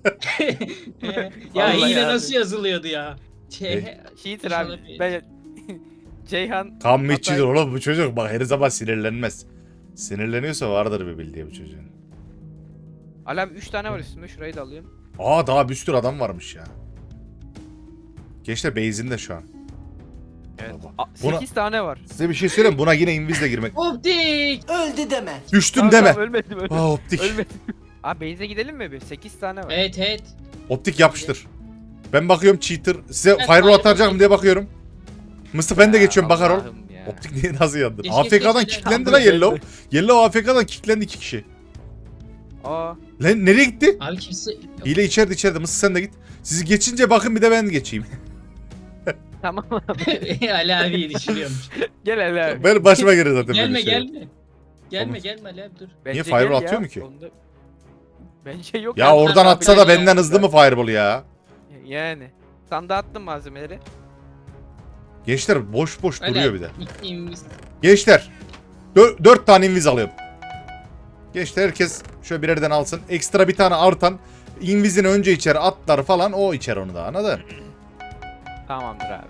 [SPEAKER 3] ya
[SPEAKER 2] Vallahi
[SPEAKER 3] hile
[SPEAKER 2] abi.
[SPEAKER 3] nasıl yazılıyordu ya? Şey,
[SPEAKER 1] Ne?
[SPEAKER 2] Cheater
[SPEAKER 3] İnşallah
[SPEAKER 2] abi.
[SPEAKER 3] bir-
[SPEAKER 2] Ben... Ceyhan
[SPEAKER 1] Kan mı
[SPEAKER 2] Hatay-
[SPEAKER 1] içidir oğlum bu çocuk? Bak her zaman sinirlenmez. Sinirleniyorsa vardır bir bildiği bu çocuğun.
[SPEAKER 2] Ali abi üç tane var üstümde şurayı da alayım.
[SPEAKER 1] Aa daha bir sürü adam varmış ya. Gençler base'inde şu an.
[SPEAKER 2] Evet.
[SPEAKER 1] Baba. Buna-
[SPEAKER 2] sekiz tane var.
[SPEAKER 1] Size bir şey söyleyeyim buna yine invizle girmek.
[SPEAKER 3] Optik.
[SPEAKER 4] Öldü deme.
[SPEAKER 1] Düştüm
[SPEAKER 2] Tamam,
[SPEAKER 1] deme.
[SPEAKER 2] tamam, ölmedim ölmedim.
[SPEAKER 1] Aa optik.
[SPEAKER 2] ölmedim. Abi base'e gidelim mi bir? sekiz tane var.
[SPEAKER 3] Evet evet.
[SPEAKER 1] Optik yapıştır. Ben bakıyorum cheater. Size
[SPEAKER 3] Evet,
[SPEAKER 1] fireball
[SPEAKER 3] fireball
[SPEAKER 1] atacağım
[SPEAKER 3] değil.
[SPEAKER 1] diye bakıyorum. Mısır ben de
[SPEAKER 2] Ya
[SPEAKER 1] geçiyorum bakar ol.
[SPEAKER 2] Allah'ım ya.
[SPEAKER 1] Optik niye nasıl yandın?
[SPEAKER 3] Geç,
[SPEAKER 1] A F K'dan
[SPEAKER 3] geç, geç.
[SPEAKER 1] kilitlendi
[SPEAKER 2] Tamam,
[SPEAKER 1] lan
[SPEAKER 2] geldi.
[SPEAKER 1] Yellow. Yellow A F K'dan kilitlendi iki kişi.
[SPEAKER 2] Aa,
[SPEAKER 1] Lan nereye gitti?
[SPEAKER 3] Abi kimse...
[SPEAKER 1] Hile içeride içeride. Mısır sen de git. Sizi geçince bakın bir de ben geçeyim.
[SPEAKER 2] tamam abi.
[SPEAKER 3] Ali abiyi düşünüyormuş.
[SPEAKER 2] Gel Ali abi.
[SPEAKER 1] Ben başıma gelir zaten
[SPEAKER 3] gelme
[SPEAKER 1] böyle şey.
[SPEAKER 3] gelme. Gelme
[SPEAKER 1] Oğlum.
[SPEAKER 3] gelme Ali abi dur.
[SPEAKER 2] Bence
[SPEAKER 1] fireball
[SPEAKER 2] gel
[SPEAKER 1] atıyor
[SPEAKER 2] ya,
[SPEAKER 1] mu ki?
[SPEAKER 2] onda- Bence yok.
[SPEAKER 1] Ya
[SPEAKER 2] ya.
[SPEAKER 1] oradan
[SPEAKER 3] abi,
[SPEAKER 1] atsa da
[SPEAKER 3] yani
[SPEAKER 1] benden
[SPEAKER 3] yok
[SPEAKER 1] hızlı
[SPEAKER 3] ya.
[SPEAKER 1] mı fireball ya?
[SPEAKER 2] Yani. Sanda attım malzemeleri.
[SPEAKER 1] Gençler boş boş
[SPEAKER 3] Ali
[SPEAKER 1] duruyor
[SPEAKER 3] abi,
[SPEAKER 1] bir de.
[SPEAKER 3] gittiğimiz-
[SPEAKER 1] Gençler. Dö- dört tane inviz alıyorum. Gençler herkes şöyle birerden alsın. Ekstra bir tane artan. Invizini önce içer atlar falan o içer onu da anladın?
[SPEAKER 2] Tamamdır abi.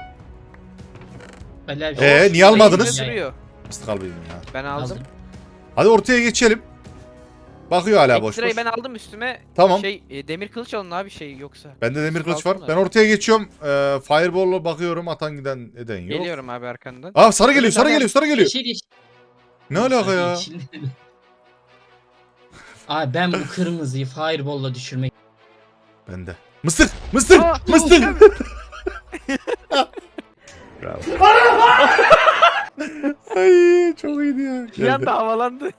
[SPEAKER 3] Ali abi.
[SPEAKER 1] Ee,
[SPEAKER 3] şu-
[SPEAKER 1] niye almadınız?
[SPEAKER 2] Base'de
[SPEAKER 3] Ya,
[SPEAKER 2] duruyor.
[SPEAKER 1] Mıstık al benim ya.
[SPEAKER 2] Ben aldım.
[SPEAKER 3] aldım.
[SPEAKER 1] Hadi ortaya geçelim. Bakıyor hala boş
[SPEAKER 2] Ekstrayı
[SPEAKER 1] boş.
[SPEAKER 2] ben aldım üstüme.
[SPEAKER 1] Tamam.
[SPEAKER 2] Şey e, demir kılıç alın abi şey yoksa.
[SPEAKER 1] Bende demir kılıç var.
[SPEAKER 2] Kalsınlar.
[SPEAKER 1] Ben ortaya geçiyorum. Ee, Fireball'la bakıyorum. Atan giden eden yok.
[SPEAKER 2] Geliyorum abi arkandan.
[SPEAKER 1] Aa sarı geliyor, sarı
[SPEAKER 3] Tamam.
[SPEAKER 1] geliyor, sarı geliyor.
[SPEAKER 3] Yeşil yeşil.
[SPEAKER 1] Ne alaka ya?
[SPEAKER 3] Yeşil. Abi ben bu kırmızıyı fireball'la düşürmek.
[SPEAKER 1] Bende. Mıstık, mıstık,
[SPEAKER 2] Aa,
[SPEAKER 1] mıstık. Bravo. Ay çok iyiydi ya.
[SPEAKER 2] Bir
[SPEAKER 1] Geldi.
[SPEAKER 2] anda havalandı.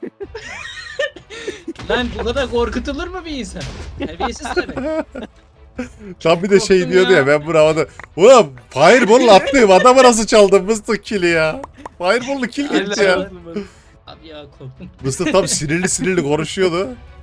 [SPEAKER 3] Lan bu kadar korkutulur mu bir insan? Terbiyesiz tabii.
[SPEAKER 1] Tam bir de şey
[SPEAKER 3] Korktum
[SPEAKER 1] diyordu ya,
[SPEAKER 3] ya.
[SPEAKER 1] ben bu havada. Ulan fireball attım adamı nasıl çaldım mıstık kill'i ya. Fireball'lu kill gitti ya.
[SPEAKER 3] Allah. Abi ya korktum.
[SPEAKER 1] Mıstık tam sinirli sinirli konuşuyordu.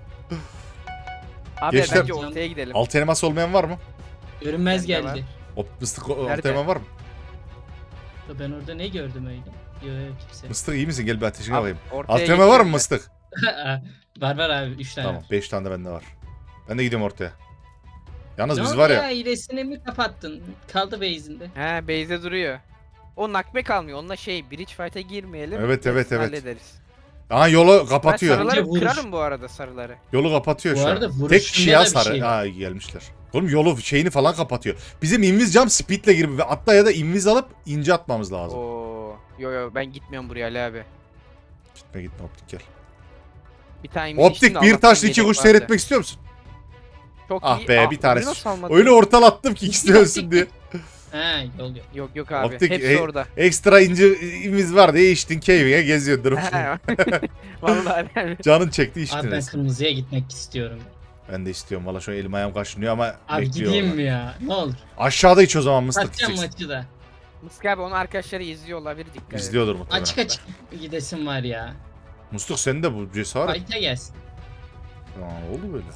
[SPEAKER 2] Abi
[SPEAKER 1] Gençler-
[SPEAKER 2] bence ortaya gidelim.
[SPEAKER 1] Altı elmas olmayan var mı?
[SPEAKER 3] Görünmez
[SPEAKER 2] Bende var.
[SPEAKER 3] geldi.
[SPEAKER 1] O mıstık o- altı
[SPEAKER 2] Nerede?
[SPEAKER 1] elmas var mı?
[SPEAKER 3] Ben orada ne gördüm öyle? Yok yok kimse.
[SPEAKER 1] Mıstık iyi misin? Gel bir ateşine
[SPEAKER 2] Abi,
[SPEAKER 1] bakayım.
[SPEAKER 2] ortaya
[SPEAKER 1] Altı elmas var mı
[SPEAKER 2] geçiyorum
[SPEAKER 1] mıstık?
[SPEAKER 3] var var abi üç tane.
[SPEAKER 1] Tamam beş tane de bende var. Ben de gidiyorum ortaya. Yalnız
[SPEAKER 3] Ne
[SPEAKER 1] biz
[SPEAKER 3] oldu
[SPEAKER 1] var ya.
[SPEAKER 3] ya hilesini mi kapattın? Kaldı base'inde.
[SPEAKER 2] ben. He base'de duruyor. O nakbe kalmıyor. Onunla şey bridge fight'a girmeyelim.
[SPEAKER 1] Evet, evet,
[SPEAKER 2] hepsini
[SPEAKER 1] evet.
[SPEAKER 2] Hallederiz.
[SPEAKER 1] Aha yolu
[SPEAKER 2] Ben
[SPEAKER 1] kapatıyor.
[SPEAKER 2] sarıları
[SPEAKER 3] Bence vuruş.
[SPEAKER 2] kırarım bu arada sarıları.
[SPEAKER 1] Yolu kapatıyor
[SPEAKER 3] Bu
[SPEAKER 1] şu
[SPEAKER 3] arada
[SPEAKER 1] an.
[SPEAKER 3] vuruşunda
[SPEAKER 1] Tek kişi
[SPEAKER 3] da
[SPEAKER 1] ya
[SPEAKER 3] bir
[SPEAKER 1] sarı.
[SPEAKER 3] şey var.
[SPEAKER 1] Ha gelmişler. Oğlum yolu şeyini falan kapatıyor. Bizim inviz jump speed'le girip ve atla ya da inviz alıp ince atmamız lazım.
[SPEAKER 2] Oo. Yo yo ben gitmiyorum buraya Ali abi.
[SPEAKER 1] Gitme gitme optik gel.
[SPEAKER 2] Bir tane inmiştim
[SPEAKER 1] Optik
[SPEAKER 2] de
[SPEAKER 1] bir
[SPEAKER 2] Allah'tan
[SPEAKER 1] taşla iki
[SPEAKER 2] yedek
[SPEAKER 1] kuş
[SPEAKER 2] vardı.
[SPEAKER 1] seyretmek istiyor musun?
[SPEAKER 2] Çok
[SPEAKER 1] Ah
[SPEAKER 2] iyi.
[SPEAKER 1] be,
[SPEAKER 2] Aa,
[SPEAKER 1] bir tanesi.
[SPEAKER 2] bunu nasıl almadın?
[SPEAKER 1] Öyle ortalattım ki ikisi de ölsün diye.
[SPEAKER 3] He yol yok.
[SPEAKER 2] Yok yok abi.
[SPEAKER 1] Optik,
[SPEAKER 2] Hepsi
[SPEAKER 1] e-
[SPEAKER 2] orada.
[SPEAKER 1] Ekstra ince inviz var diye içtin cave'e geziyordur.
[SPEAKER 2] Vallahi abi.
[SPEAKER 1] Canın çekti içtin.
[SPEAKER 3] Abi ben
[SPEAKER 1] resmen.
[SPEAKER 3] kırmızıya gitmek istiyorum.
[SPEAKER 1] Ben de istiyorum valla şu an elim ayağım kaşınıyor ama
[SPEAKER 3] Abi
[SPEAKER 1] bekliyor.
[SPEAKER 3] gideyim
[SPEAKER 1] orada.
[SPEAKER 3] mi ya? Ne olur.
[SPEAKER 1] Aşağıda iç o zaman mıstık
[SPEAKER 3] Satacağım
[SPEAKER 1] içeceksin.
[SPEAKER 3] maçı da.
[SPEAKER 2] Mıska abi onun arkadaşları izliyor olabilir dikkat et.
[SPEAKER 1] İzliyordur muhtemelen.
[SPEAKER 3] Açık açık gidesim var ya.
[SPEAKER 1] Musluk senin de bu cesaret.
[SPEAKER 3] Fight'a gelsin.
[SPEAKER 1] Aa, oldu böyle.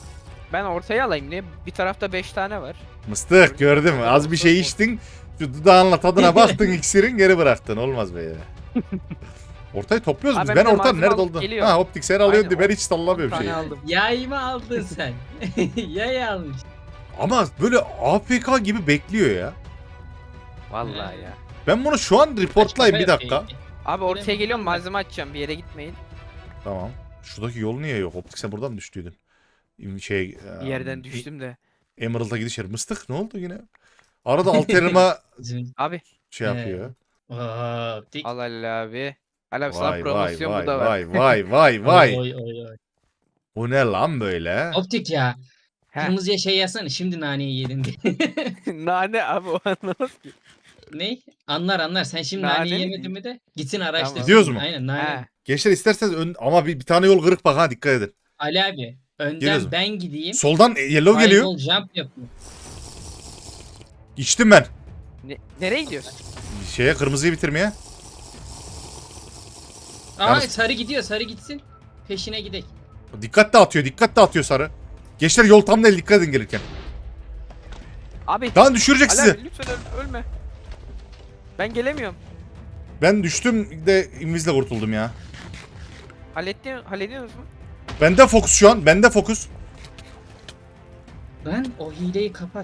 [SPEAKER 2] Ben ortaya alayım diye. Bir tarafta beş tane var.
[SPEAKER 1] Mıstık gördün mü? Az bir şey içtin. Şu dudağınla tadına baktın iksirin geri bıraktın. Olmaz be ya. Ortayı topluyoruz
[SPEAKER 2] Abi
[SPEAKER 1] biz.
[SPEAKER 2] ben
[SPEAKER 1] Ben
[SPEAKER 2] bir de
[SPEAKER 1] ortanın
[SPEAKER 2] malzeme
[SPEAKER 1] nerede
[SPEAKER 2] alıp
[SPEAKER 1] olduğunu.
[SPEAKER 2] geliyorum.
[SPEAKER 1] Ha optik sen alıyorsun
[SPEAKER 2] Aynen,
[SPEAKER 1] diye ben
[SPEAKER 2] on-
[SPEAKER 1] hiç sallamıyorum
[SPEAKER 2] on tane
[SPEAKER 1] şeyi.
[SPEAKER 2] aldım.
[SPEAKER 3] Yay mı aldın sen? Yay almış.
[SPEAKER 1] Ama böyle A F K gibi bekliyor ya.
[SPEAKER 2] Vallahi ya.
[SPEAKER 1] Ben bunu şu an reportlayayım bir
[SPEAKER 3] Açma
[SPEAKER 1] dakika.
[SPEAKER 3] yapayım.
[SPEAKER 2] Abi ortaya
[SPEAKER 3] Bilemedim
[SPEAKER 2] geliyorum
[SPEAKER 3] ben.
[SPEAKER 2] malzeme açacağım. Bir yere gitmeyin.
[SPEAKER 1] Tamam. Şuradaki yol niye yok? Optik sen buradan mı düştüydün? Şey,
[SPEAKER 2] Bir yerden düştüm de.
[SPEAKER 1] Emerald'a gidiş yeri. Mıstık ne oldu yine? Arada alterima
[SPEAKER 3] Bizim-
[SPEAKER 2] Abi
[SPEAKER 1] şey yapıyor.
[SPEAKER 3] Aa, dik.
[SPEAKER 2] al Ali abi. Ali abi sana
[SPEAKER 1] Vay vay
[SPEAKER 2] promosyon
[SPEAKER 1] vay
[SPEAKER 2] bu da var.
[SPEAKER 1] vay vay vay vay.
[SPEAKER 3] Oy, oy, oy.
[SPEAKER 1] Bu ne lan böyle?
[SPEAKER 3] Optik ya.
[SPEAKER 2] Heh.
[SPEAKER 3] Kırmızıya şey yazsana şimdi naneyi yedin diye.
[SPEAKER 2] Nane abi o anlamaz ki.
[SPEAKER 3] Ne? Anlar anlar. Sen şimdi
[SPEAKER 2] Nane
[SPEAKER 3] naneyi
[SPEAKER 2] mi
[SPEAKER 3] yemedin
[SPEAKER 2] diyeyim?
[SPEAKER 3] mi de gitsin araştırsın.
[SPEAKER 2] Tamam.
[SPEAKER 1] Gidiyoruz mu?
[SPEAKER 3] Aynen nane.
[SPEAKER 2] He.
[SPEAKER 1] Gençler isterseniz ön... ama bir, bir tane yol kırık bak ha dikkat edin.
[SPEAKER 3] Ali abi önden
[SPEAKER 1] Geliyoruz mu?
[SPEAKER 3] ben gideyim.
[SPEAKER 1] Soldan yellow geliyor.
[SPEAKER 3] Fireball jump yapayım.
[SPEAKER 1] İçtim ben.
[SPEAKER 2] Ne, nereye gidiyorsun?
[SPEAKER 1] Şeye kırmızıyı bitirmeye.
[SPEAKER 3] Aa
[SPEAKER 1] Yalnız-
[SPEAKER 3] sarı gidiyor sarı gitsin. Peşine gidelim.
[SPEAKER 1] Dikkat dağıtıyor dikkat dağıtıyor sarı. Gençler yol tam değil dikkat edin gelirken.
[SPEAKER 2] Abi
[SPEAKER 1] Lan düşürecek
[SPEAKER 2] Ali
[SPEAKER 1] sizi.
[SPEAKER 2] abi lütfen öl- ölme. Ben gelemiyorum.
[SPEAKER 1] Ben düştüm de invisle kurtuldum ya.
[SPEAKER 2] Halletti, hallediyorsunuz mu?
[SPEAKER 1] Bende fokus şu an. Bende fokus.
[SPEAKER 3] Lan o hileyi kapat.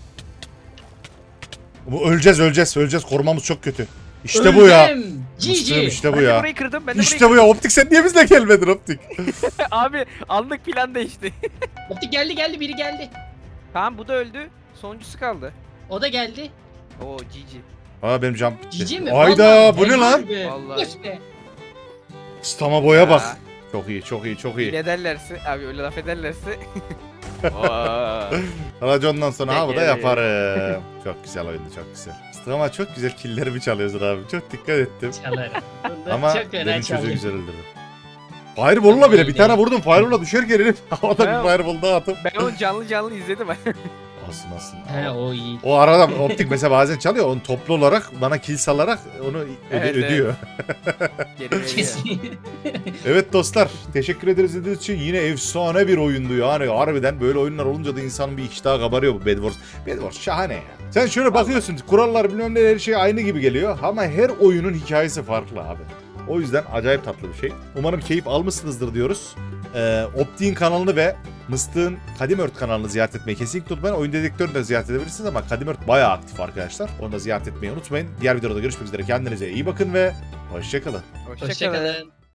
[SPEAKER 1] Bu öleceğiz öleceğiz öleceğiz. Korumamız çok kötü. İşte bu ya.
[SPEAKER 3] Öldüm.
[SPEAKER 1] Mıstığım
[SPEAKER 3] G G.
[SPEAKER 1] işte bu
[SPEAKER 2] Ben de
[SPEAKER 1] ya.
[SPEAKER 2] burayı kırdım. Ben de
[SPEAKER 1] İşte bu ya. Optik sen niye bizle gelmedin Optik?
[SPEAKER 2] burayı Abi anlık plan değişti.
[SPEAKER 3] Optik geldi geldi biri geldi.
[SPEAKER 2] Tamam bu da öldü. Sonuncusu kaldı.
[SPEAKER 3] O da geldi.
[SPEAKER 2] Oo G G.
[SPEAKER 1] Aa benim jump.
[SPEAKER 3] G G mi?
[SPEAKER 1] Ayda
[SPEAKER 3] Vallahi
[SPEAKER 1] bu ne
[SPEAKER 3] helal
[SPEAKER 1] lan?
[SPEAKER 3] be.
[SPEAKER 2] Vallahi.
[SPEAKER 3] Yes be.
[SPEAKER 1] Stama boya
[SPEAKER 2] Ya.
[SPEAKER 1] bak. Çok iyi çok iyi çok iyi.
[SPEAKER 2] Ne derlerse abi öyle laf ederlerse. Oo.
[SPEAKER 1] Racondan sonra ha bu da
[SPEAKER 2] Peki.
[SPEAKER 1] yaparım. Çok güzel oyundu çok güzel. Ama çok güzel killerimi çalıyorsun abi. Çok dikkat ettim.
[SPEAKER 3] Çalarım. Bunda
[SPEAKER 1] Ama
[SPEAKER 3] çok fena
[SPEAKER 1] benim çocuğu
[SPEAKER 3] çalıyor.
[SPEAKER 1] güzel öldürdü. Fireball'la bile bir
[SPEAKER 3] İyi
[SPEAKER 1] tane
[SPEAKER 3] değil.
[SPEAKER 1] vurdum. Fireball'la düşerken herif havada
[SPEAKER 2] Ben-
[SPEAKER 1] bir fireball daha atıp.
[SPEAKER 2] Ben onu canlı canlı izledim.
[SPEAKER 1] Olsun olsun.
[SPEAKER 3] He o iyi.
[SPEAKER 1] O arada optik mesela bazen çalıyor. Onu toplu olarak bana kill salarak onu öde-
[SPEAKER 2] Evet, evet.
[SPEAKER 1] ödüyor.
[SPEAKER 2] Geri veriyor.
[SPEAKER 3] Kesin.
[SPEAKER 1] Evet dostlar. Teşekkür ederiz izlediğiniz için. Yine efsane bir oyundu yani. Harbiden böyle oyunlar olunca da insanın bir iştahı kabarıyor bu Bed Wars. Bed Wars şahane ya. Sen şöyle bakıyorsun. Kurallar bilmem ne her şey aynı gibi geliyor. Ama her oyunun hikayesi farklı abi. O yüzden acayip tatlı bir şey. Umarım keyif almışsınızdır diyoruz. Ee, Optik'in kanalını ve Mıstık'ın Kadim Ört kanalını ziyaret etmeyi kesinlikle unutmayın. Oyun dedektörünü de ziyaret edebilirsiniz ama Kadim Ört bayağı aktif arkadaşlar. Onu da ziyaret etmeyi unutmayın. Diğer videoda görüşmek üzere. Kendinize iyi bakın ve hoşçakalın.
[SPEAKER 2] Hoşçakalın.
[SPEAKER 3] Hoşçakalın.